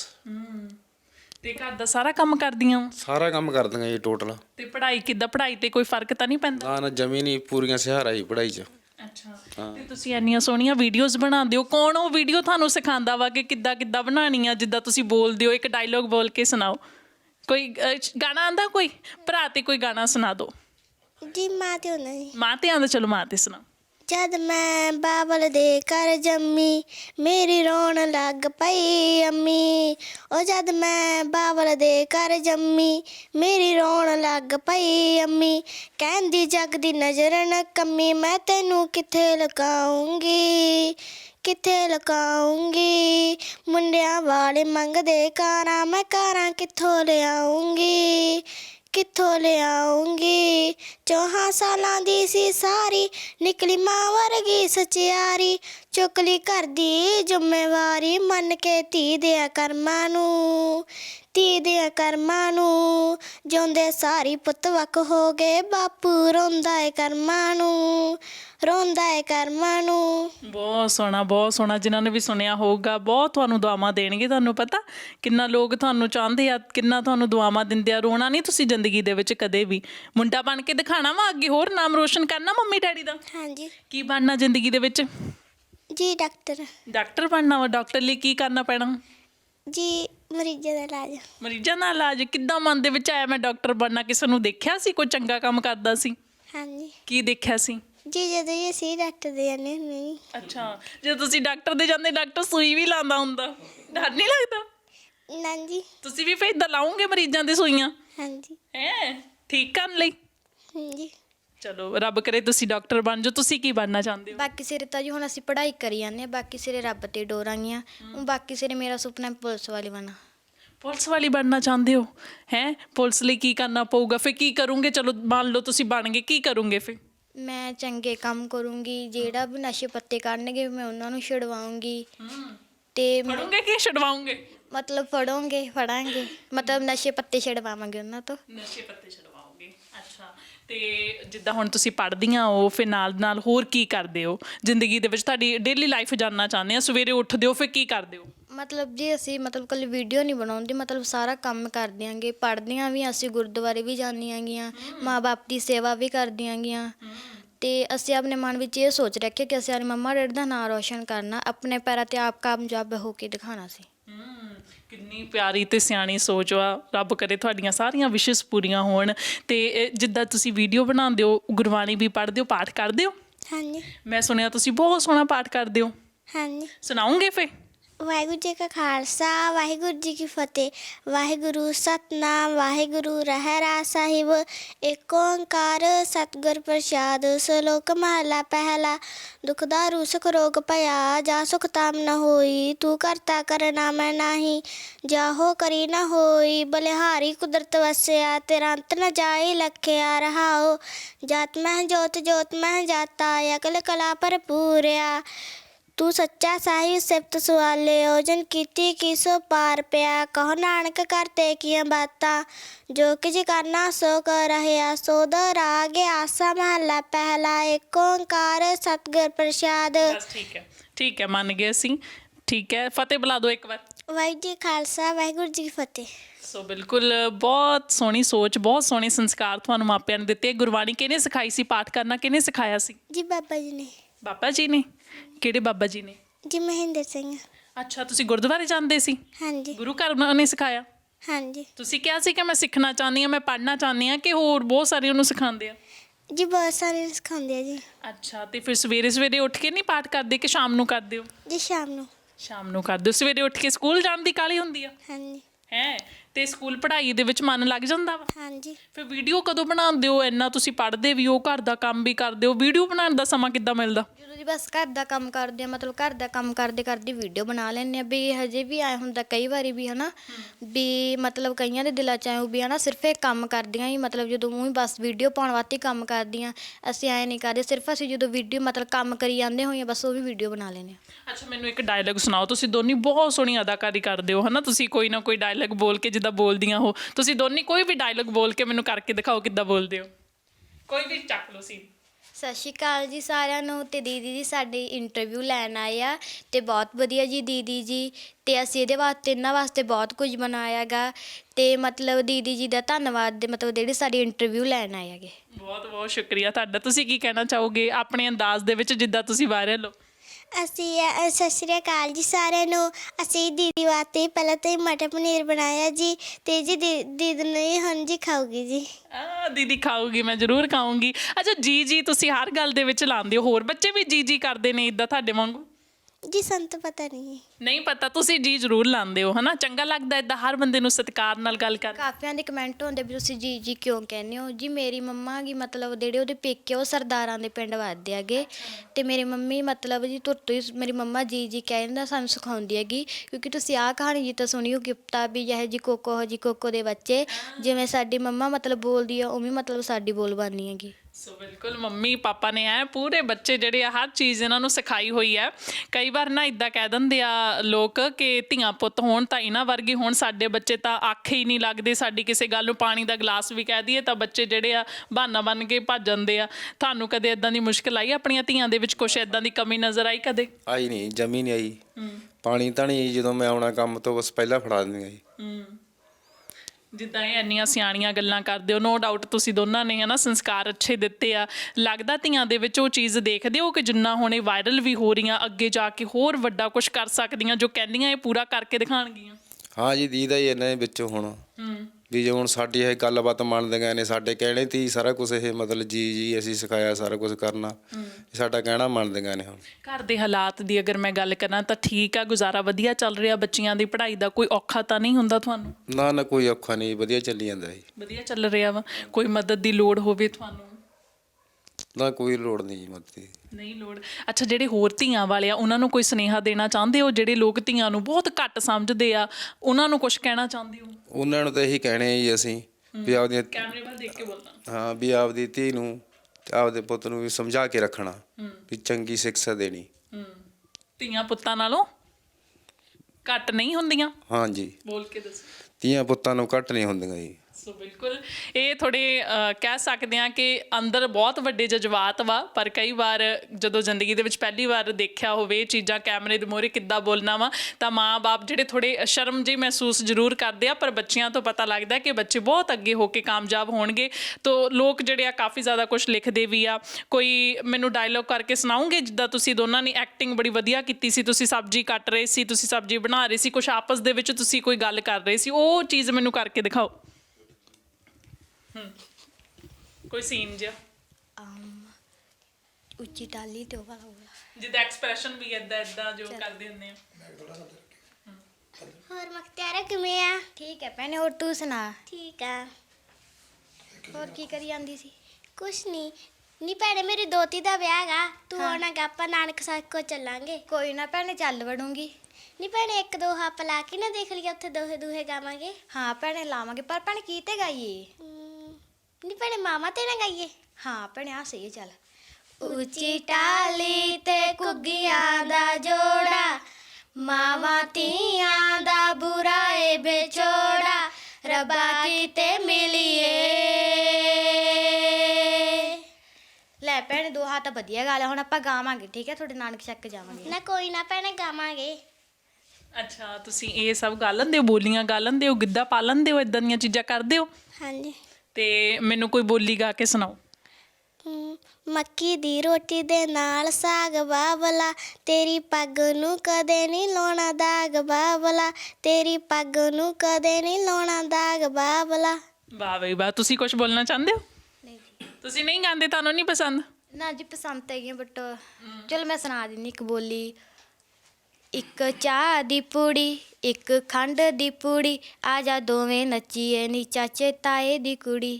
C: ਤੇ ਘਰ ਦਾ ਸਾਰਾ ਕੰਮ ਕਰਦੀਆਂ?
D: ਸਾਰਾ ਕੰਮ ਕਰਦੀਆਂ ਜੀ ਟੋਟਲ।
C: ਤੇ ਪੜ੍ਹਾਈ ਕਿੱਦਾਂ? ਪੜ੍ਹਾਈ ਤੇ ਕੋਈ ਫਰਕ ਤਾਂ ਨਹੀਂ ਪੈਂਦਾ?
D: ਨਾ ਜਮੀ ਨਹੀਂ, ਪੂਰੀਆਂ ਸਹਾਰਾ ਜੀ ਪੜ੍ਹਾਈ 'ਚ।
C: ਅੱਛਾ। ਤੇ ਤੁਸੀਂ ਇੰਨੀਆਂ ਸੋਹਣੀਆਂ ਵੀਡੀਓਜ਼ ਬਣਾਉਂਦੇ ਹੋ, ਕੌਣ ਉਹ ਵੀਡੀਓ ਤੁਹਾਨੂੰ ਸਿਖਾਉਂਦਾ ਵਾ ਕਿ ਕਿੱਦਾਂ ਬਣਾਉਣੀ ਆ? ਜਿੱਦਾਂ ਤੁਸੀਂ ਬੋਲਦੇ ਹੋ, ਇੱਕ ਡਾਇਲੋਗ ਬੋਲ ਕੇ ਸੁਣਾਓ। ਕੋਈ ਗਾਣਾ ਆਉਂਦਾ ਕੋਈ? ਭਰਾ ਤੇ ਕੋਈ ਗਾਣਾ ਸੁਣਾ ਦਿਓ।
A: ਜੀ ਮਾਂ ਤੇ ਹੁੰਦਾ ਜੀ।
C: ਮਾਂ ਤੇ ਆਉਂਦਾ? ਚਲੋ ਮਾਂ ਤੇ ਸੁਣਾਓ।
A: ਜਦ ਮੈਂ ਬਾਬਲ ਦੇ ਘਰ ਜੰਮੀ, ਮੇਰੀ ਰੋਣ ਲੱਗ ਪਈ ਅੰਮੀ। ਉਹ ਜਦ ਮੈਂ ਬਾਬਲ ਦੇ ਘਰ ਜੰਮੀ, ਮੇਰੀ ਰੋਣ ਲੱਗ ਪਈ ਅੰਮੀ। ਕਹਿੰਦੀ ਜੱਗ ਦੀ ਨਜ਼ਰ ਨਕੰਮੀ, ਮੈਂ ਤੈਨੂੰ ਕਿੱਥੇ ਲੁਕਾਉਂਗੀ, ਕਿੱਥੇ ਲੁਕਾਉਂਗੀ। ਮੁੰਡਿਆਂ ਵਾਲੇ ਮੰਗਦੇ ਕਾਰਾਂ, ਮੈਂ ਕਾਰਾਂ ਕਿੱਥੋਂ ਲਿਆਉਂਗੀ, ਕਿੱਥੋਂ ਲਿਆਉਂਗੀ। 4 ਸਾਲਾਂ ਦੀ ਸੀ ਸਾਰੀ, ਨਿਕਲੀ ਮਾਂ ਵਰਗੀ ਸਚਿਆਰੀ। ਚੁੱਕ ਲਈ ਘਰ ਦੀ ਜ਼ਿੰਮੇਵਾਰੀ, ਮੰਨ ਕੇ ਧੀ ਦਿਆਂ ਕਰਮਾਂ ਨੂੰ, ਧੀ ਦਿਆਂ ਕਰਮਾਂ ਨੂੰ। ਜਿਉਂਦੇ ਸਾਰੀ ਪੁੱਤ ਵੱਖ ਹੋ ਗਏ, ਬਾਪੂ ਰੋਂਦਾ ਏ ਕਰਮਾਂ ਨੂੰ, ਰੋਂਦਾ ਏ ਕਰਮਾਂ ਨੂੰ।
C: ਬਹੁਤ ਸੋਹਣਾ, ਬਹੁਤ ਸੋਹਣਾ। ਜਿਨ੍ਹਾਂ ਨੇ ਵੀ ਸੁਣਿਆ ਹੋਊਗਾ ਬਹੁਤ ਤੁਹਾਨੂੰ ਦੁਆਵਾਂ ਦੇਣਗੇ। ਤੁਹਾਨੂੰ ਪਤਾ ਕਿੰਨਾ ਲੋਕ ਤੁਹਾਨੂੰ ਚਾਹੁੰਦੇ ਆ, ਕਿੰਨਾ ਤੁਹਾਨੂੰ ਦੁਆਵਾਂ ਦਿੰਦੇ ਆ। ਰੋਣਾ ਨਹੀਂ ਤੁਸੀਂ ਜ਼ਿੰਦਗੀ ਦੇ ਵਿੱਚ ਕਦੇ ਵੀ। ਮੁੰਡਾ ਬਣ ਕੇ ਦਿਖਾਣਾ ਵਾ, ਅੱਗੇ ਹੋਰ ਨਾਮ ਰੋਸ਼ਨ ਕਰਨਾ ਮੰਮੀ ਡੈਡੀ ਦਾ।
A: ਹਾਂਜੀ।
C: ਕੀ ਬਣਨਾ ਜ਼ਿੰਦਗੀ ਦੇ ਵਿੱਚ?
A: ਜੀ ਡਾਕਟਰ।
C: ਡਾਕਟਰ ਬਣਨਾ ਵਾ? ਡਾਕਟਰ ਲਈ ਕੀ ਕਰਨਾ ਪੈਣਾ
A: ਜੀ? ਮਰੀਜ਼ਾਂ ਦਾ ਇਲਾਜ।
C: ਮਰੀਜ਼ਾਂ ਦਾ ਇਲਾਜ? ਕਿੱਦਾਂ ਮਨ ਦੇ ਵਿੱਚ ਆਇਆ ਮੈਂ ਡਾਕਟਰ ਬਣਨਾ? ਕਿਸੇ ਨੂੰ ਦੇਖਿਆ ਸੀ ਕੋਈ ਚੰਗਾ ਕੰਮ ਕਰਦਾ ਸੀ?
A: ਹਾਂਜੀ।
C: ਕੀ ਦੇਖਿਆ ਸੀ?
A: ਜੀ ਜਦੋਂ ਹੀ ਅਸੀਂ ਡਾਕਟਰ ਦੇ ਜਾਂਦੇ ਹੁੰਦੇ ਜੀ।
C: ਅੱਛਾ, ਜਦੋਂ ਤੁਸੀਂ ਡਾਕਟਰ ਦੇ ਜਾਂਦੇ ਡਾਕਟਰ ਸੂਈ ਵੀ ਲਾਉਂਦਾ ਹੁੰਦਾ, ਡਰ ਨਹੀਂ ਲੱਗਦਾ?
A: ਨਾ ਜੀ।
C: ਤੁਸੀਂ ਵੀ ਫਿਰ ਇੱਦਾਂ ਲਾਉਂਗੇ ਮਰੀਜ਼ਾਂ ਦੇ ਸੂਈਆਂ
A: ਹਾਂਜੀ।
C: ਹੈ ਠੀਕ ਕਰਨ ਲਈ?
A: ਹਾਂਜੀ।
C: ਚਲੋ ਰੱਬ ਕਰੇ ਤੁਸੀਂ ਡਾਕਟਰ ਬਣ ਜਾਓ। ਤੁਸੀਂ ਕੀ ਬਣਨਾ ਚਾਹੁੰਦੇ ਹੋ?
B: ਬਾਕੀ ਸਿਰੇ ਤਾਂ ਜੀ ਹੁਣ ਅਸੀਂ ਪੜ੍ਹਾਈ ਕਰੀ ਜਾਂਦੇ ਹਾਂ, ਬਾਕੀ ਸਿਰੇ ਰੱਬ ਤੇ ਡੋਰਾਂਗੀਆਂ। ਬਾਕੀ ਸਿਰੇ ਮੇਰਾ ਸੁਪਨਾ ਪੁਲਿਸ ਵਾਲੀ ਬਣਾ।
C: ਪੁਲਿਸ ਵਾਲੀ ਬਣਨਾ ਚਾਹੁੰਦੇ ਹੋ? ਹੈ ਪੁਲਿਸ ਲਈ ਕੀ ਕਰਨਾ ਪਊਗਾ ਫਿਰ? ਕੀ ਕਰੋਗੇ? ਚਲੋ ਮੰਨ ਲਓ ਤੁਸੀਂ ਬਣ ਗਏ, ਕੀ ਕਰੋਗੇ ਫਿਰ?
B: ਮੈਂ ਚੰਗੇ ਕੰਮ ਕਰੂੰਗੀ, ਜਿਹੜਾ ਵੀ ਨਸ਼ੇ ਪੱਤੇ ਕਰਨਗੇ ਮੈਂ ਉਹਨਾਂ ਨੂੰ ਛੁਡਵਾਉਂਗੀ। ਤੇ
C: ਫੜੋਗੇ ਕਿ ਛਡਵਾਓਗੇ?
B: ਮਤਲਬ ਫੜਾਂਗੇ ਮਤਲਬ ਨਸ਼ੇ ਪੱਤੇ ਛਡਵਾਵਾਂਗੇ ਉਹਨਾਂ ਤੋਂ।
C: ਨਸ਼ੇ ਪੱਤੇ ਛਡਵਾਓਗੇ, ਅੱਛਾ। ਤੇ ਜਿੱਦਾਂ ਹੁਣ ਤੁਸੀਂ ਪੜ੍ਹਦੀਆਂ ਹੋ, ਫਿਰ ਨਾਲ ਨਾਲ ਹੋਰ ਕੀ ਕਰਦੇ ਹੋ ਜ਼ਿੰਦਗੀ ਦੇ ਵਿੱਚ? ਤੁਹਾਡੀ ਡੇਲੀ ਲਾਈਫ ਜਾਣਨਾ ਚਾਹੁੰਦੇ ਆ। ਸਵੇਰੇ ਉੱਠਦੇ ਹੋ ਫਿਰ ਕੀ ਕਰਦੇ ਹੋ?
B: ਮਤਲਬ ਜੀ ਅਸੀਂ ਮਤਲਬ ਕੱਲੀ ਵੀਡੀਓ ਨਹੀਂ ਬਣਾਉਂਦੇ, ਮਤਲਬ ਸਾਰਾ ਕੰਮ ਕਰ ਦਿਆਂਗੇ। ਪੜ੍ਹਦੀਆਂ ਵੀ, ਅਸੀਂ ਗੁਰਦੁਆਰੇ ਵੀ ਜਾਂਦੀਆਂ ਗੀਆਂ, ਮਾਂ ਬਾਪ ਦੀ ਸੇਵਾ ਵੀ ਕਰਦੀਆਂ ਗੀਆਂ। ਤੇ ਅਸੀਂ ਆਪਣੇ ਮਨ ਵਿੱਚ ਇਹ ਸੋਚ ਰੱਖਿਆ ਕਿ ਅਸੀਂ ਆਪਣੇ ਮੰਮਾ ਡੈਡੀ ਦਾ ਨਾਂ ਰੋਸ਼ਨ ਕਰਨਾ, ਆਪਣੇ ਪੈਰਾਂ 'ਤੇ ਆਪ ਕਾਮਯਾਬ ਹੋ ਕੇ ਦਿਖਾਉਣਾ ਸੀ।
C: ਕਿੰਨੀ ਪਿਆਰੀ ਤੇ ਸਿਆਣੀ ਸੋਚ ਆ। ਰੱਬ ਕਰੇ ਤੁਹਾਡੀਆਂ ਸਾਰੀਆਂ ਵਿਸ਼ੇਸ ਪੂਰੀਆਂ ਹੋਣ। ਤੇ ਜਿੱਦਾਂ ਤੁਸੀਂ ਵੀਡੀਓ ਬਣਾਉਂਦੇ ਹੋ, ਗੁਰਬਾਣੀ ਵੀ ਪੜ੍ਹਦੇ ਹੋ, ਪਾਠ ਕਰਦੇ ਹੋ?
A: ਹਾਂਜੀ।
C: ਮੈਂ ਸੁਣਿਆ ਤੁਸੀਂ ਬਹੁਤ ਸੋਹਣਾ ਪਾਠ ਕਰਦੇ ਹੋ,
A: ਹਾਂਜੀ।
C: ਸੁਣਾਓਗੇ ਫਿਰ?
A: ਵਾਹਿਗੁਰੂ ਜੀ ਕਾ ਖਾਲਸਾ, ਵਾਹਿਗੁਰੂ ਜੀ ਕੀ ਫਤਿਹ। ਵਾਹਿਗੁਰੂ ਸਤਨਾਮ ਵਾਹਿਗੁਰੂ ਰਹਿਰਾਸ ਸਾਹਿਬ, ਏਕ ਓੰਕਾਰ ਸਤਿਗੁਰ ਪ੍ਰਸਾਦ। ਸ਼ਲੋਕ ਮਹਲਾ ਪਹਿਲਾ। ਦੁਖ ਦਾਰੂ ਸੁਖ ਰੋਗ ਭਇਆ, ਜਾ ਸੁਖ ਤਾਮ ਨ ਹੋਈ। ਤੂੰ ਕਰਤਾ ਕਰਨਾ ਮੈਂ ਨਾਹੀ, ਜਾਹੋ ਕਰੀ ਨ ਹੋਈ। ਬਲਿਹਾਰੀ ਕੁਦਰਤ ਵਸਿਆ, ਤੇਰਾ ਅੰਤ ਨ ਜਾਏ ਲਖਿਆ। ਰਹਾਓ ਜਾਤ ਮਹਿ ਜੋਤ, ਜੋਤ ਮਹਿ ਜਾਤਾ। ਅਕਲ ਕਲਾ ਭਰਪੂਰਿਆ, ਤੂੰ ਸੱਚਾ ਸਾਹਿਬ ਸਿਫਤ ਸੁਆਲੇ। ਓਜਨ ਕੀਤੀ ਕੀ ਸੋ ਪਾਰ ਪਿਆ, ਕਹੋ ਨਾਨਕ ਕਰਤੇ ਕੀਆਂ ਬਾਤਾਂ। ਜੋ ਕਿਛ ਕਰਨਾ ਸੋ ਕਰ ਰਹਿਆ, ਸੋਧ ਰਾਗ ਆਸਾ ਮਹਲਾ ਪਹਿਲਾ। ਏਕ ਓੰਕਾਰ ਸਤਿਗੁਰ ਪ੍ਰਸਾਦ।
C: ਬਸ ਠੀਕ ਹੈ, ਠੀਕ ਹੈ, ਮੰਨ ਗਏ ਅਸੀਂ। ਠੀਕ ਹੈ, ਫਤਿਹ ਬੁਲਾ ਦਿਓ ਇੱਕ ਵਾਰ।
A: ਵਾਹਿਗੁਰੂ ਜੀ ਖਾਲਸਾ, ਵਾਹਿਗੁਰੂ ਜੀ ਕੀ ਫਤਿਹ।
C: ਸੋ ਬਿਲਕੁਲ ਬਹੁਤ ਸੋਹਣੀ ਸੋਚ, ਬਹੁਤ ਸੋਹਣੇ ਸੰਸਕਾਰ ਤੁਹਾਨੂੰ ਮਾਪਿਆਂ ਨੇ ਦਿੱਤੇ। ਗੁਰਬਾਣੀ ਕਿਹਨੇ ਸਿਖਾਈ ਸੀ? ਪਾਠ ਕਰਨਾ ਕਿਹਨੇ ਸਿਖਾਇਆ ਸੀ?
A: ਜੀ ਬਾਬਾ ਜੀ ਨੇ।
C: ਬਾਬਾ ਜੀ ਨੇ? ਕਿਹੜੇ ਬਾਬਾ ਜੀ ਨੇ?
A: ਜੀ ਮਹਿੰਦਰ ਸਿੰਘ।
C: ਅੱਛਾ, ਤੁਸੀਂ ਗੁਰਦੁਆਰੇ ਜਾਂਦੇ ਸੀ?
A: ਹਾਂਜੀ।
C: ਗੁਰੂ ਘਰ ਉਹਨਾਂ ਨੇ ਸਿਖਾਇਆ?
A: ਹਾਂਜੀ।
C: ਤੁਸੀਂ ਕਿਹਾ ਸੀ ਕਿ ਮੈਂ ਸਿੱਖਣਾ ਚਾਹੁੰਦੀ ਹਾਂ, ਮੈਂ ਪੜ੍ਹਨਾ ਚਾਹੁੰਦੀ ਹਾਂ, ਕਿ ਹੋਰ ਬਹੁਤ ਸਾਰੇ ਉਹਨੂੰ ਸਿਖਾਉਂਦੇ ਆ?
A: ਜੀ ਬਹੁਤ ਸਾਰੇ ਸਿਖਾਉਂਦੇ ਆ ਜੀ।
C: ਅੱਛਾ, ਤੇ ਫਿਰ ਸਵੇਰੇ ਸਵੇਰੇ ਉੱਠ ਕੇ ਨਹੀਂ ਪਾਠ ਕਰਦੇ ਕਿ ਸ਼ਾਮ ਨੂੰ ਕਰਦੇ ਹੋ?
A: ਜੀ ਸ਼ਾਮ ਨੂੰ।
C: ਸ਼ਾਮ ਨੂੰ ਕਰਦੇ ਹੋ। ਸਵੇਰੇ ਉੱਠ ਕੇ ਸਕੂਲ ਜਾਣ ਦੀ ਕਾਹਲੀ ਹੁੰਦੀ ਆ?
A: ਹਾਂਜੀ।
C: ਹੈ ਤੇ ਸਕੂਲ ਪੜ੍ਹਾਈ ਦੇ ਵਿੱਚ ਮਨ ਲੱਗ ਜਾਂਦਾ ਵਾ?
A: ਹਾਂਜੀ।
C: ਫਿਰ ਵੀਡੀਓ ਕਦੋਂ ਬਣਾਉਂਦੇ ਹੋ? ਇੰਨਾ ਤੁਸੀਂ ਪੜ੍ਹਦੇ ਵੀ ਹੋ, ਘਰ ਦਾ ਕੰਮ ਵੀ ਕਰਦੇ ਹੋ, ਵੀਡੀਓ ਬਣਾਉਣ ਦਾ ਸਮਾਂ ਕਿੱਦਾਂ ਮਿਲਦਾ?
B: ਜਦੋਂ ਜੀ ਬਸ ਘਰ ਦਾ ਕੰਮ ਕਰਦੇ ਆ, ਮਤਲਬ ਘਰ ਦਾ ਕੰਮ ਕਰਦੇ ਕਰਦੇ ਵੀਡੀਓ ਬਣਾ ਲੈਂਦੇ ਆ। ਵੀ ਹਜੇ ਵੀ ਆਏ ਹੁੰਦਾ ਕਈ ਵਾਰੀ ਵੀ, ਹੈ ਨਾ, ਵੀ ਮਤਲਬ ਕਈਆਂ ਦੇ ਦਿਲਾਂ 'ਚ ਆਏ ਵੀ, ਹੈ ਨਾ, ਸਿਰਫ ਇਹ ਕੰਮ ਕਰਦੀਆਂ ਹੀ, ਮਤਲਬ ਜਦੋਂ ਮੂੰਹ ਹੀ ਬਸ ਵੀਡੀਓ ਪਾਉਣ ਵਾਸਤੇ ਕੰਮ ਕਰਦੀਆਂ। ਅਸੀਂ ਐਂ ਨਹੀਂ ਕਰਦੇ, ਸਿਰਫ ਅਸੀਂ ਜਦੋਂ ਵੀਡੀਓ ਮਤਲਬ ਕੰਮ ਕਰੀ ਜਾਂਦੇ ਹੋਈਏ ਬਸ ਉਹ ਵੀ ਵੀਡੀਓ ਬਣਾ ਲੈਂਦੇ ਹਾਂ।
C: ਅੱਛਾ, ਮੈਨੂੰ ਇੱਕ ਡਾਇਲੌਗ ਸੁਣਾਓ। ਤੁਸੀਂ ਦੋਨੀ ਬਹੁਤ ਸੋਹਣੀ ਅਦਾਕਾਰੀ ਕਰਦੇ ਹੋ, ਹੈ ਨਾ? ਤੁਸੀਂ ਕੋਈ ਨਾ ਕੋਈ ਡਾਇਲੌਗ ਬੋਲ ਕੇ, ਜਿੱਦਾਂ ਬੋਲਦੀਆਂ ਹੋ ਤੁਸੀਂ ਦੋਨੀ, ਕੋਈ ਵੀ ਡਾਇਲੌਗ ਬੋਲ ਕੇ ਮੈਨੂੰ ਕਰਕੇ ਦਿਖਾਓ ਕਿੱਦਾਂ ਬੋਲਦੇ ਹੋ। ਕੋਈ ਵੀ ਚੱਕ ਲਓ ਸੀ।
B: ਸਤਿ ਸ਼੍ਰੀ ਅਕਾਲ ਜੀ ਸਾਰਿਆਂ ਨੂੰ। ਤੇ ਦੀਦੀ ਜੀ ਸਾਡੀ ਇੰਟਰਵਿਊ ਲੈਣ ਆਏ ਆ, ਤੇ ਬਹੁਤ ਵਧੀਆ ਜੀ ਦੀਦੀ ਜੀ। ਤੇ ਅਸੀਂ ਇਹਦੇ ਵਾਸਤੇ, ਇਹਨਾਂ ਵਾਸਤੇ ਬਹੁਤ ਕੁਝ ਬਣਾਇਆ ਗਾ। ਤੇ ਮਤਲਬ ਦੀਦੀ ਜੀ ਦਾ ਧੰਨਵਾਦ, ਦੇ ਮਤਲਬ ਜਿਹੜੇ ਸਾਡੀ ਇੰਟਰਵਿਊ ਲੈਣ ਆਏ ਹੈਗੇ।
C: ਬਹੁਤ ਬਹੁਤ ਸ਼ੁਕਰੀਆ ਤੁਹਾਡਾ। ਤੁਸੀਂ ਕੀ ਕਹਿਣਾ ਚਾਹੋਗੇ ਆਪਣੇ ਅੰਦਾਜ਼ ਦੇ ਵਿੱਚ, ਜਿੱਦਾਂ ਤੁਸੀਂ ਵਾਇਰਲ ਹੋ?
A: ਅਸੀਂ ਸਤਿ ਸ਼੍ਰੀ ਅਕਾਲ ਜੀ ਸਾਰਿਆਂ ਨੂੰ। ਅਸੀਂ ਦੀਦੀ ਵਾਸਤੇ ਪਹਿਲਾਂ ਤਾਂ ਹੀ ਮਟਰ ਪਨੀਰ ਬਣਾਇਆ ਜੀ, ਤੇ ਜੀ ਦੀਦੀ ਨੇ ਹੁਣ ਜੀ ਖਾਊਗੀ ਜੀ।
C: ਦੀਦੀ ਖਾਊਗੀ, ਮੈਂ ਜ਼ਰੂਰ ਖਾਊਂਗੀ। ਅੱਛਾ, ਜੀ ਜੀ ਤੁਸੀਂ ਹਰ ਗੱਲ ਦੇ ਵਿੱਚ ਲਾਉਂਦੇ ਹੋ, ਹੋਰ ਬੱਚੇ ਵੀ ਜੀ ਜੀ ਕਰਦੇ ਨੇ ਇੱਦਾਂ ਤੁਹਾਡੇ ਵਾਂਗੂ?
A: ਜੀ ਸਾਨੂੰ ਤਾਂ ਪਤਾ ਨਹੀਂ।
C: ਨਹੀਂ ਪਤਾ, ਤੁਸੀਂ ਜੀ ਜ਼ਰੂਰ ਲਾਉਂਦੇ ਹੋ, ਹੈ ਨਾ? ਚੰਗਾ ਲੱਗਦਾ ਇੱਦਾਂ ਹਰ ਬੰਦੇ ਨੂੰ ਸਤਿਕਾਰ ਨਾਲ ਗੱਲ ਕਰ?
B: ਕਾਫੀਆਂ ਦੇ ਕਮੈਂਟ ਹੁੰਦੇ ਵੀ ਤੁਸੀਂ ਜੀ ਜੀ ਕਿਉਂ ਕਹਿੰਦੇ ਹੋ ਜੀ। ਮੇਰੀ ਮੰਮਾ ਗੀ ਮਤਲਬ ਜਿਹੜੇ ਉਹਦੇ ਪੇਕੇ ਉਹ ਸਰਦਾਰਾਂ ਦੇ ਪਿੰਡ ਵੱਜਦੇ ਹੈਗੇ, ਤੇ ਮੇਰੀ ਮੰਮੀ ਮਤਲਬ ਜੀ ਤੁਰਤੋਂ ਹੀ ਮੇਰੀ ਮੰਮਾ ਜੀ ਜੀ ਕਹਿੰਦਾ ਸਾਨੂੰ ਸਿਖਾਉਂਦੀ ਹੈਗੀ। ਕਿਉਂਕਿ ਤੁਸੀਂ ਆਹ ਕਹਾਣੀ ਜੀ ਤਾਂ ਸੁਣੀ ਹੋ, ਗਿਫਤਾ ਵੀ ਜਿਹੋ ਜੀ ਕੋਕੋ ਜੀ ਕੋਕੋ ਦੇ ਬੱਚੇ, ਜਿਵੇਂ ਸਾਡੀ ਮੰਮਾ ਮਤਲਬ ਬੋਲਦੀ ਆ ਉਵੇਂ ਮਤਲਬ ਸਾਡੀ ਬੋਲਬਾਨੀ ਹੈਗੀ।
C: ਸੋ ਬਿਲਕੁਲ ਮੰਮੀ ਪਾਪਾ ਨੇ ਪੂਰੇ ਬੱਚੇ ਜਿਹੜੇ ਆ ਹਰ ਚੀਜ਼ ਇਹਨਾਂ ਨੂੰ ਸਿਖਾਈ ਹੋਈ ਹੈ। ਕਈ ਵਾਰ ਨਾ ਇੱਦਾਂ ਕਹਿ ਦਿੰਦੇ ਆ ਲੋਕ ਕਿ ਧੀਆਂ ਪੁੱਤ ਹੋਣ ਤਾਂ ਇਹਨਾਂ ਵਰਗੇ ਹੋਣ, ਸਾਡੇ ਬੱਚੇ ਤਾਂ ਆਖੇ ਹੀ ਨਹੀਂ ਲੱਗਦੇ। ਸਾਡੀ ਕਿਸੇ ਗੱਲ ਨੂੰ ਪਾਣੀ ਦਾ ਗਲਾਸ ਵੀ ਕਹਿ ਦਈਏ ਤਾਂ ਬੱਚੇ ਜਿਹੜੇ ਆ ਬਹਾਨਾ ਬਣ ਕੇ ਭੱਜ ਜਾਂਦੇ ਆ। ਤੁਹਾਨੂੰ ਕਦੇ ਇੱਦਾਂ ਦੀ ਮੁਸ਼ਕਿਲ ਆਈ ਆਪਣੀਆਂ ਧੀਆਂ ਦੇ ਵਿੱਚ? ਕੁਛ ਇੱਦਾਂ ਦੀ ਕਮੀ ਨਜ਼ਰ ਆਈ ਕਦੇ?
D: ਆਈ ਨਹੀਂ, ਜਮੀ ਨਹੀਂ ਆਈ। ਪਾਣੀ ਤਾਂ ਨਹੀਂ, ਜਦੋਂ ਮੈਂ ਆਉਣਾ ਕੰਮ ਤੋਂ ਬਸ ਪਹਿਲਾਂ ਫੜਾ ਦਿੰਦੀਆਂ ਜੀ।
C: ਜਿੱਦਾਂ ਇਹ ਇੰਨੀਆਂ ਸਿਆਣੀਆਂ ਗੱਲਾਂ ਕਰਦੇ ਹੋ, ਨੋ ਡਾਊਟ ਤੁਸੀਂ ਦੋਨਾਂ ਨੇ, ਹੈ ਨਾ, ਸੰਸਕਾਰ ਅੱਛੇ ਦਿੱਤੇ ਆ। ਲੱਗਦਾ ਧੀਆਂ ਦੇ ਵਿੱਚ ਉਹ ਚੀਜ਼ ਦੇਖਦੇ ਹੋ ਕਿ ਜਿੰਨਾ ਹੁਣ ਇਹ ਵਾਇਰਲ ਵੀ ਹੋ ਰਹੀਆਂ, ਅੱਗੇ ਜਾ ਕੇ ਹੋਰ ਵੱਡਾ ਕੁਛ ਕਰ ਸਕਦੀਆਂ, ਜੋ ਕਹਿੰਦੀਆਂ ਇਹ ਪੂਰਾ ਕਰਕੇ ਦਿਖਾਣਗੀਆਂ?
D: ਹਾਂ ਜੀ, ਦੀਦਾ ਹੀ ਇਹਨਾਂ ਦੇ ਵਿੱਚੋਂ ਹੁਣ ਵੀ ਜੇ ਹੁਣ ਸਾਡੀ ਇਹ ਗੱਲਬਾਤ ਮੰਨਦੀਆਂ ਨੇ, ਸਾਡੇ ਕਹਿਣੇ 'ਤੇ ਹੀ ਸਾਰਾ ਕੁਝ ਇਹ ਮਤਲਬ ਜੀ ਅਸੀਂ ਸਿਖਾਇਆ ਸਾਰਾ ਕੁਝ ਕਰਨਾ, ਸਾਡਾ ਕਹਿਣਾ ਮੰਨਦੀਆਂ ਨੇ। ਹੁਣ
C: ਘਰ ਦੇ ਹਾਲਾਤ ਦੀ ਅਗਰ ਮੈਂ ਗੱਲ ਕਰਾਂ ਤਾਂ ਠੀਕ ਆ, ਗੁਜ਼ਾਰਾ ਵਧੀਆ ਚੱਲ ਰਿਹਾ, ਬੱਚਿਆਂ ਦੀ ਪੜ੍ਹਾਈ ਦਾ ਕੋਈ ਔਖਾ ਤਾਂ ਨਹੀਂ ਹੁੰਦਾ ਤੁਹਾਨੂੰ?
D: ਨਾ ਕੋਈ ਔਖਾ ਨਹੀਂ, ਵਧੀਆ ਚੱਲੀ ਜਾਂਦਾ ਜੀ।
C: ਵਧੀਆ ਚੱਲ ਰਿਹਾ ਵਾ। ਕੋਈ ਮਦਦ ਦੀ ਲੋੜ ਹੋਵੇ ਤੁਹਾਨੂੰ?
D: ਨਾ ਕੋਈ ਲੋੜ ਨਹੀਂ ਜੀ ਮਦਦ ਦੀ।
C: ਨਹੀਂ ਲੋੜ। ਅੱਛਾ, ਜਿਹੜੇ ਹੋਰ ਧੀਆਂ ਵਾਲੇ ਆ ਉਹਨਾਂ ਨੂੰ ਕੋਈ ਸੁਨੇਹਾ ਦੇਣਾ ਚਾਹੁੰਦੇ ਹੋ? ਜਿਹੜੇ ਲੋਕ ਧੀਆਂ ਨੂੰ ਬਹੁਤ ਘੱਟ ਸਮਝਦੇ ਆ, ਉਹਨਾਂ ਨੂੰ ਕੁਝ ਕਹਿਣਾ ਚਾਹੁੰਦੇ ਹੋ?
D: ਉਹਨਾਂ ਨੂੰ ਤਾਂ ਇਹੀ ਕਹਿਣੇ ਜੀ ਅਸੀਂ ਵੀ ਆਪਦੀਆਂ
C: ਕੈਮਰੇ ਵੱਲ ਦੇਖ ਕੇ ਬੋਲਣਾ।
D: ਹਾਂ, ਵੀ ਆਪਦੀ ਧੀ ਨੂੰ ਤੇ ਆਪਦੇ ਪੁੱਤ ਨੂੰ ਵੀ ਸਮਝਾ ਕੇ ਰੱਖਣਾ, ਵੀ ਚੰਗੀ ਸਿੱਖਿਆ ਦੇਣੀ।
C: ਧੀਆਂ ਪੁੱਤਾਂ ਨਾਲੋਂ ਘੱਟ ਨਹੀਂ ਹੁੰਦੀਆਂ?
D: ਹਾਂਜੀ,
C: ਬੋਲ ਕੇ ਦੱਸੋ।
D: ਧੀਆਂ ਪੁੱਤਾਂ ਨੂੰ ਘੱਟ ਨਹੀਂ ਹੁੰਦੀਆਂ ਜੀ।
C: ਸੋ ਬਿਲਕੁਲ ਇਹ ਥੋੜੇ ਕਹਿ ਸਕਦੇ ਹਾਂ ਕਿ ਅੰਦਰ ਬਹੁਤ ਵੱਡੇ ਜਜ਼ਬਾਤ ਵਾ, ਪਰ ਕਈ ਵਾਰ ਜਦੋਂ ਜ਼ਿੰਦਗੀ ਦੇ ਵਿੱਚ ਪਹਿਲੀ ਵਾਰ ਦੇਖਿਆ ਹੋਵੇ ਇਹ ਚੀਜ਼ਾਂ, ਕੈਮਰੇ ਦੇ ਮੂਹਰੇ ਕਿੱਦਾਂ ਬੋਲਣਾ ਵਾ, ਤਾਂ ਮਾਂ-ਬਾਪ ਜਿਹੜੇ ਥੋੜੇ ਸ਼ਰਮ ਜਿਹੀ ਮਹਿਸੂਸ ਜ਼ਰੂਰ ਕਰਦੇ ਆ, ਪਰ ਬੱਚਿਆਂ ਤੋਂ ਪਤਾ ਲੱਗਦਾ ਕਿ ਬੱਚੇ ਬਹੁਤ ਅੱਗੇ ਹੋ ਕੇ ਕਾਮਯਾਬ ਹੋਣਗੇ। ਤਾਂ ਲੋਕ ਜਿਹੜੇ ਆ ਕਾਫੀ ਜ਼ਿਆਦਾ ਕੁਝ ਲਿਖਦੇ ਵੀ ਆ। ਕੋਈ ਮੈਨੂੰ ਡਾਇਲੋਗ ਕਰਕੇ ਸੁਣਾਉਂਗੇ? ਜਿੱਦਾਂ ਤੁਸੀਂ ਦੋਨਾਂ ਨੇ ਐਕਟਿੰਗ ਬੜੀ ਵਧੀਆ ਕੀਤੀ ਸੀ, ਤੁਸੀਂ ਸਬਜ਼ੀ ਕੱਟ ਰਹੇ ਸੀ, ਤੁਸੀਂ ਸਬਜ਼ੀ ਬਣਾ ਰਹੇ ਸੀ, ਕੁਝ ਆਪਸ ਦੇ ਵਿੱਚ ਤੁਸੀਂ ਕੋਈ ਗੱਲ ਕਰ ਰਹੇ ਸੀ, ਉਹ ਚੀਜ਼ ਮੈਨੂੰ ਕਰਕੇ ਦਿਖਾਓ। ਕੋਈ ਸੀਨ ਜਿਹਾ
B: ਉੱਚੀ ਟਾਲੀ ਤੇ ਉਹ ਵਾਲਾ ਹੋਇਆ,
C: ਜਿਹਦਾ ਐਕਸਪ੍ਰੈਸ਼ਨ ਵੀ ਏਦਾਂ ਜੋ ਕਰਦੇ ਹੁੰਦੇ ਆ।
A: ਹੋਰ ਮਖਤਿਆਰਾ ਕਿਵੇਂ ਆ?
B: ਠੀਕ ਹੈ ਭੈਣੇ, ਹੋਰ ਤੂੰ ਸੁਣਾ?
A: ਠੀਕ ਆ।
B: ਹੋਰ ਕੀ ਕਰੀ ਜਾਂਦੀ ਸੀ?
A: ਕੁਛ ਨਹੀਂ। ਨੀ ਭੈਣੇ, ਮੇਰੀ ਦੋਤੀ ਦਾ ਵਿਆਹ ਗਾ, ਤੂੰ ਆਉਣਾ ਗਾ, ਆਪਾਂ ਨਾਨਕ ਸਾਹਿਬ ਕੋ ਚੱਲਾਂਗੇ।
B: ਕੋਈ ਨਾ ਭੈਣੇ, ਚੱਲ ਵੜੂੰਗੀ।
A: ਨੀ ਭੈਣੇ, ਇੱਕ ਦੋ ਹੱਪ ਲਾ ਕੇ ਨਾ ਦੇਖ ਲਿਆ, ਉੱਥੇ ਦੋਹੇ ਦੂਹੇ ਗਾਵਾਂਗੇ।
B: ਹਾਂ ਭੈਣੇ, ਲਾਵਾਂਗੇ, ਪਰ ਭੈਣੇ ਕੀ ਤੇ ਗਾਈਏ?
A: ਨੀ ਭੈਣੇ, ਮਾਮਾ ਤੇ ਨਾ ਗਾਈਏ?
B: ਹਾਂ ਭੈਣੇ, ਆ ਸਹੀ ਹੈ, ਚੱਲ।
A: ਉੱਚੀ ਟਾਲੀ ਤੇ ਕੁੱਗੀਆਂ ਦਾ ਜੋੜਾ, ਮਾਵਾਂ ਧੀਆਂ ਦਾ ਬੁਰਾ ਏ ਵਿਛੋੜਾ, ਰੱਬਾ ਕਿਤੇ ਮਿਲੀਏ।
B: ਲੈ ਭੈਣੇ, ਦੋ ਹੱਥ ਵਧੀਆ ਗਾ ਲਿਆ, ਹੁਣ ਆਪਾਂ ਗਾਵਾਂਗੇ, ਠੀਕ ਹੈ? ਤੁਹਾਡੇ ਨਾਨਕ ਛੱਕ ਜਾਵਾਂਗੇ।
A: ਨਾ ਕੋਈ ਨਾ ਭੈਣੇ, ਗਾਵਾਂਗੇ।
C: ਅੱਛਾ, ਤੁਸੀਂ ਇਹ ਸਭ ਗਾ ਲੈਂਦੇ ਹੋ? ਬੋਲੀਆਂ ਗਾ ਲੈਂਦੇ ਹੋ? ਗਿੱਧਾ ਪਾ ਲੈਂਦੇ ਹੋ? ਇਦਾਂ ਦੀਆਂ ਚੀਜ਼ਾਂ ਕਰਦੇ ਹੋ?
A: ਹਾਂਜੀ।
C: ਤੇ ਮੈਨੂੰ ਕੋਈ ਬੋਲੀ ਗਾ ਕੇ ਸੁਣਾਓ।
A: ਮੱਕੀ ਦੀ ਰੋਟੀ ਦੇ ਨਾਲ ਸਾਗ ਬਾਬਲਾ, ਤੇਰੀ ਪੱਗ ਨੂੰ ਕਦੇ ਨਹੀਂ ਲਾਉਣਾ ਦਾਗ ਬਾਬਲਾ, ਤੇਰੀ ਪੱਗ ਨੂੰ ਕਦੇ ਨਹੀਂ ਲਾਉਣਾ ਦਾਗ ਬਾਬਲਾ।
C: ਵਾਹ ਬਈ ਵਾਹ। ਤੁਸੀਂ ਕੁਝ ਬੋਲਣਾ ਚਾਹੁੰਦੇ ਹੋ?
B: ਨਹੀਂ ਜੀ,
C: ਤੁਸੀਂ ਨਹੀਂ ਗਾਉਂਦੇ? ਤੁਹਾਨੂੰ ਨਹੀਂ ਪਸੰਦ?
B: ਨਾ ਜੀ, ਪਸੰਦ ਹੈਗੀ, ਬਟ ਚਲ ਮੈਂ ਸੁਣਾ ਦਿੰਦੀ ਇੱਕ ਬੋਲੀ। ਇੱਕ ਚਾਹ ਦੀ ਪੂੜੀ, ਇੱਕ ਖੰਡ ਦੀ ਪੂੜੀ, ਆ ਜਾ ਦੋਵੇਂ ਨੱਚੀਏ ਨੀ ਚਾਚੇ ਤਾਏ ਦੀ ਕੁੜੀ।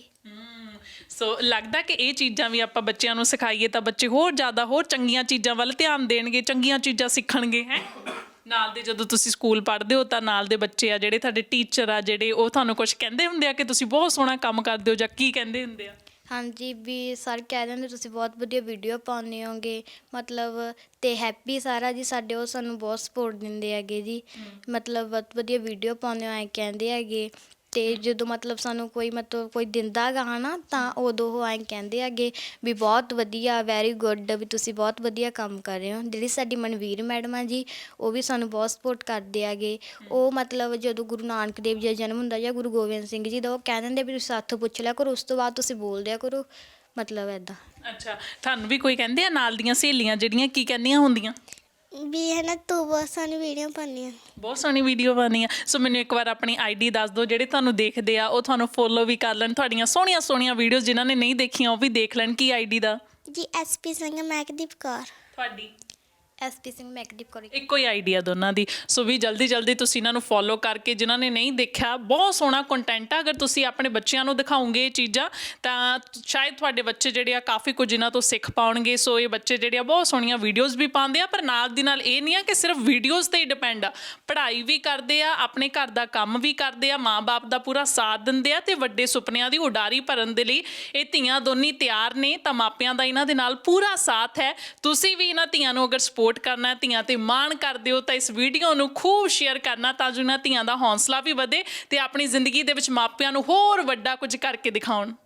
C: ਸੋ ਲੱਗਦਾ ਕਿ ਇਹ ਚੀਜ਼ਾਂ ਵੀ ਆਪਾਂ ਬੱਚਿਆਂ ਨੂੰ ਸਿਖਾਈਏ ਤਾਂ ਬੱਚੇ ਹੋਰ ਜ਼ਿਆਦਾ ਹੋਰ ਚੰਗੀਆਂ ਚੀਜ਼ਾਂ ਵੱਲ ਧਿਆਨ ਦੇਣਗੇ, ਚੰਗੀਆਂ ਚੀਜ਼ਾਂ ਸਿੱਖਣਗੇ। ਹੈ ਨਾਲ ਦੇ ਜਦੋਂ ਤੁਸੀਂ ਸਕੂਲ ਪੜ੍ਹਦੇ ਹੋ ਤਾਂ ਨਾਲ ਦੇ ਬੱਚੇ ਆ ਜਿਹੜੇ ਤੁਹਾਡੇ ਟੀਚਰ ਆ, ਜਿਹੜੇ ਉਹ ਤੁਹਾਨੂੰ ਕੁਝ ਕਹਿੰਦੇ ਹੁੰਦੇ ਆ ਕਿ ਤੁਸੀਂ ਬਹੁਤ ਸੋਹਣਾ ਕੰਮ ਕਰਦੇ ਹੋ, ਜਾਂ ਕੀ ਕਹਿੰਦੇ ਹੁੰਦੇ ਆ?
B: ਹਾਂਜੀ, ਵੀ ਸਰ ਕਹਿ ਦਿੰਦੇ ਤੁਸੀਂ ਬਹੁਤ ਵਧੀਆ ਵੀਡੀਓ ਪਾਉਂਦੇ ਹੋਗੇ, ਮਤਲਬ। ਤੇ ਹੈਪੀ ਸਾਰਾ ਜੀ ਸਾਡੇ, ਉਹ ਸਾਨੂੰ ਬਹੁਤ ਸਪੋਰਟ ਦਿੰਦੇ ਹੈਗੇ ਜੀ, ਮਤਲਬ ਬਹੁਤ ਵਧੀਆ ਵੀਡੀਓ ਪਾਉਂਦੇ ਹੋ ਐਂ ਕਹਿੰਦੇ ਹੈਗੇ। ਤੇ ਜਦੋਂ ਮਤਲਬ ਸਾਨੂੰ ਕੋਈ ਦਿੰਦਾ ਗਾ ਨਾ, ਤਾਂ ਉਦੋਂ ਉਹ ਐਂ ਕਹਿੰਦੇ ਹੈਗੇ ਵੀ ਬਹੁਤ ਵਧੀਆ, ਵੈਰੀ ਗੁੱਡ, ਵੀ ਤੁਸੀਂ ਬਹੁਤ ਵਧੀਆ ਕੰਮ ਕਰ ਰਹੇ ਹੋ। ਜਿਹੜੀ ਸਾਡੀ ਮਨਵੀਰ ਮੈਡਮ ਆ ਜੀ, ਉਹ ਵੀ ਸਾਨੂੰ ਬਹੁਤ ਸਪੋਰਟ ਕਰਦੇ ਹੈਗੇ। ਉਹ ਮਤਲਬ ਜਦੋਂ ਗੁਰੂ ਨਾਨਕ ਦੇਵ ਜੀ ਦਾ ਜਨਮ ਹੁੰਦਾ ਜਾਂ ਗੁਰੂ ਗੋਬਿੰਦ ਸਿੰਘ ਜੀ ਦਾ, ਉਹ ਕਹਿ ਦਿੰਦੇ ਵੀ ਤੁਸੀਂ ਸਾਥੋਂ ਪੁੱਛ ਲਿਆ ਕਰੋ, ਉਸ ਤੋਂ ਬਾਅਦ ਤੁਸੀਂ ਬੋਲ ਦਿਆ ਕਰੋ, ਮਤਲਬ ਇੱਦਾਂ।
C: ਅੱਛਾ, ਤੁਹਾਨੂੰ ਵੀ ਕੋਈ ਕਹਿੰਦੇ ਆ ਨਾਲ ਦੀਆਂ ਸਹੇਲੀਆਂ ਜਿਹੜੀਆਂ, ਕੀ ਕਹਿੰਦੀਆਂ ਹੁੰਦੀਆਂ?
A: ਵੀ ਹੈ ਨਾ, ਤੂੰ ਬਹੁਤ ਸੋਹਣੀ ਵੀਡੀਓ ਪਾਉਂਦੀ ਆ।
C: ਬਹੁਤ ਸੋਹਣੀ ਵੀਡੀਓ ਪਾਉਂਦੀ ਆ। ਸੋ ਮੈਨੂੰ ਇੱਕ ਵਾਰ ਆਪਣੀ ਆਈਡੀ ਦੱਸ ਦਿਓ, ਜਿਹੜੇ ਤੁਹਾਨੂੰ ਦੇਖਦੇ ਆ ਉਹ ਤੁਹਾਨੂੰ ਫੋਲੋ ਵੀ ਕਰ ਲੈਣ, ਤੁਹਾਡੀਆਂ ਸੋਹਣੀਆਂ ਸੋਹਣੀਆਂ ਵੀਡੀਓਜ਼ ਜਿਨ੍ਹਾਂ ਨੇ ਨਹੀਂ ਦੇਖੀਆਂ ਉਹ ਵੀ ਦੇਖ ਲੈਣ। ਕੀ ਆਈਡੀ ਦਾ?
A: ਜੀ SP ਸਿੰਘ ਮਹਿਕਦੀਪ ਕੌਰ।
C: ਤੁਹਾਡੀ?
B: SP ਸਿੰਘ ਮੈਕਦੀਪ ਕੌਰ।
C: ਇੱਕੋ ਹੀ ਆਈਡੀਆ ਦੋਨਾਂ ਦੀ। ਸੋ ਵੀ ਜਲਦੀ ਤੁਸੀਂ ਇਹਨਾਂ ਨੂੰ ਫੋਲੋ ਕਰਕੇ, ਜਿਨ੍ਹਾਂ ਨੇ ਨਹੀਂ ਦੇਖਿਆ, ਬਹੁਤ ਸੋਹਣਾ ਕੰਟੈਂਟ ਆ। ਅਗਰ ਤੁਸੀਂ ਆਪਣੇ ਬੱਚਿਆਂ ਨੂੰ ਦਿਖਾਓਗੇ ਇਹ ਚੀਜ਼ਾਂ ਤਾਂ ਸ਼ਾਇਦ ਤੁਹਾਡੇ ਬੱਚੇ ਜਿਹੜੇ ਆ ਕਾਫੀ ਕੁਝ ਇਹਨਾਂ ਤੋਂ ਸਿੱਖ ਪਾਉਣਗੇ। ਸੋ ਇਹ ਬੱਚੇ ਜਿਹੜੇ ਆ ਬਹੁਤ ਸੋਹਣੀਆਂ ਵੀਡੀਓਜ਼ ਵੀ ਪਾਉਂਦੇ ਆ, ਪਰ ਨਾਲ ਦੀ ਨਾਲ ਇਹ ਨਹੀਂ ਆ ਕਿ ਸਿਰਫ ਵੀਡੀਓਜ਼ 'ਤੇ ਹੀ ਡਿਪੈਂਡ ਆ, ਪੜ੍ਹਾਈ ਵੀ ਕਰਦੇ ਆ, ਆਪਣੇ ਘਰ ਦਾ ਕੰਮ ਵੀ ਕਰਦੇ ਆ, ਮਾਂ-ਬਾਪ ਦਾ ਪੂਰਾ ਸਾਥ ਦਿੰਦੇ ਆ, ਤੇ ਵੱਡੇ ਸੁਪਨਿਆਂ ਦੀ ਉਡਾਰੀ ਭਰਨ ਦੇ ਲਈ ਇਹ ਧੀਆਂ ਦੋਨੀ ਤਿਆਰ ਨੇ। ਤਾਂ ਮਾਪਿਆਂ ਦਾ ਇਹਨਾਂ ਦੇ ਨਾਲ ਪੂਰਾ ਸਾਥ ਹੈ। ਤੁਸੀਂ ਵੀ ਇਹਨਾਂ ਧੀਆਂ ਨੂੰ ਅਗਰ ਸਪੋਰਟ ਕਰਨਾ, ਧੀਆਂ ਤੇ ਮਾਣ ਕਰਦੇ ਹੋ, ਤਾਂ ਇਸ ਵੀਡੀਓ ਨੂੰ ਖੂਬ ਸ਼ੇਅਰ ਕਰਨਾ, ਤਾਂ ਜੋ ਇਹਨਾਂ ਧੀਆਂ ਦਾ ਹੌਸਲਾ ਵੀ ਵਧੇ ਤੇ ਆਪਣੀ ਜ਼ਿੰਦਗੀ ਦੇ ਵਿੱਚ ਮਾਪਿਆਂ ਨੂੰ ਹੋਰ ਵੱਡਾ ਕੁਝ ਕਰਕੇ ਦਿਖਾਉਣ।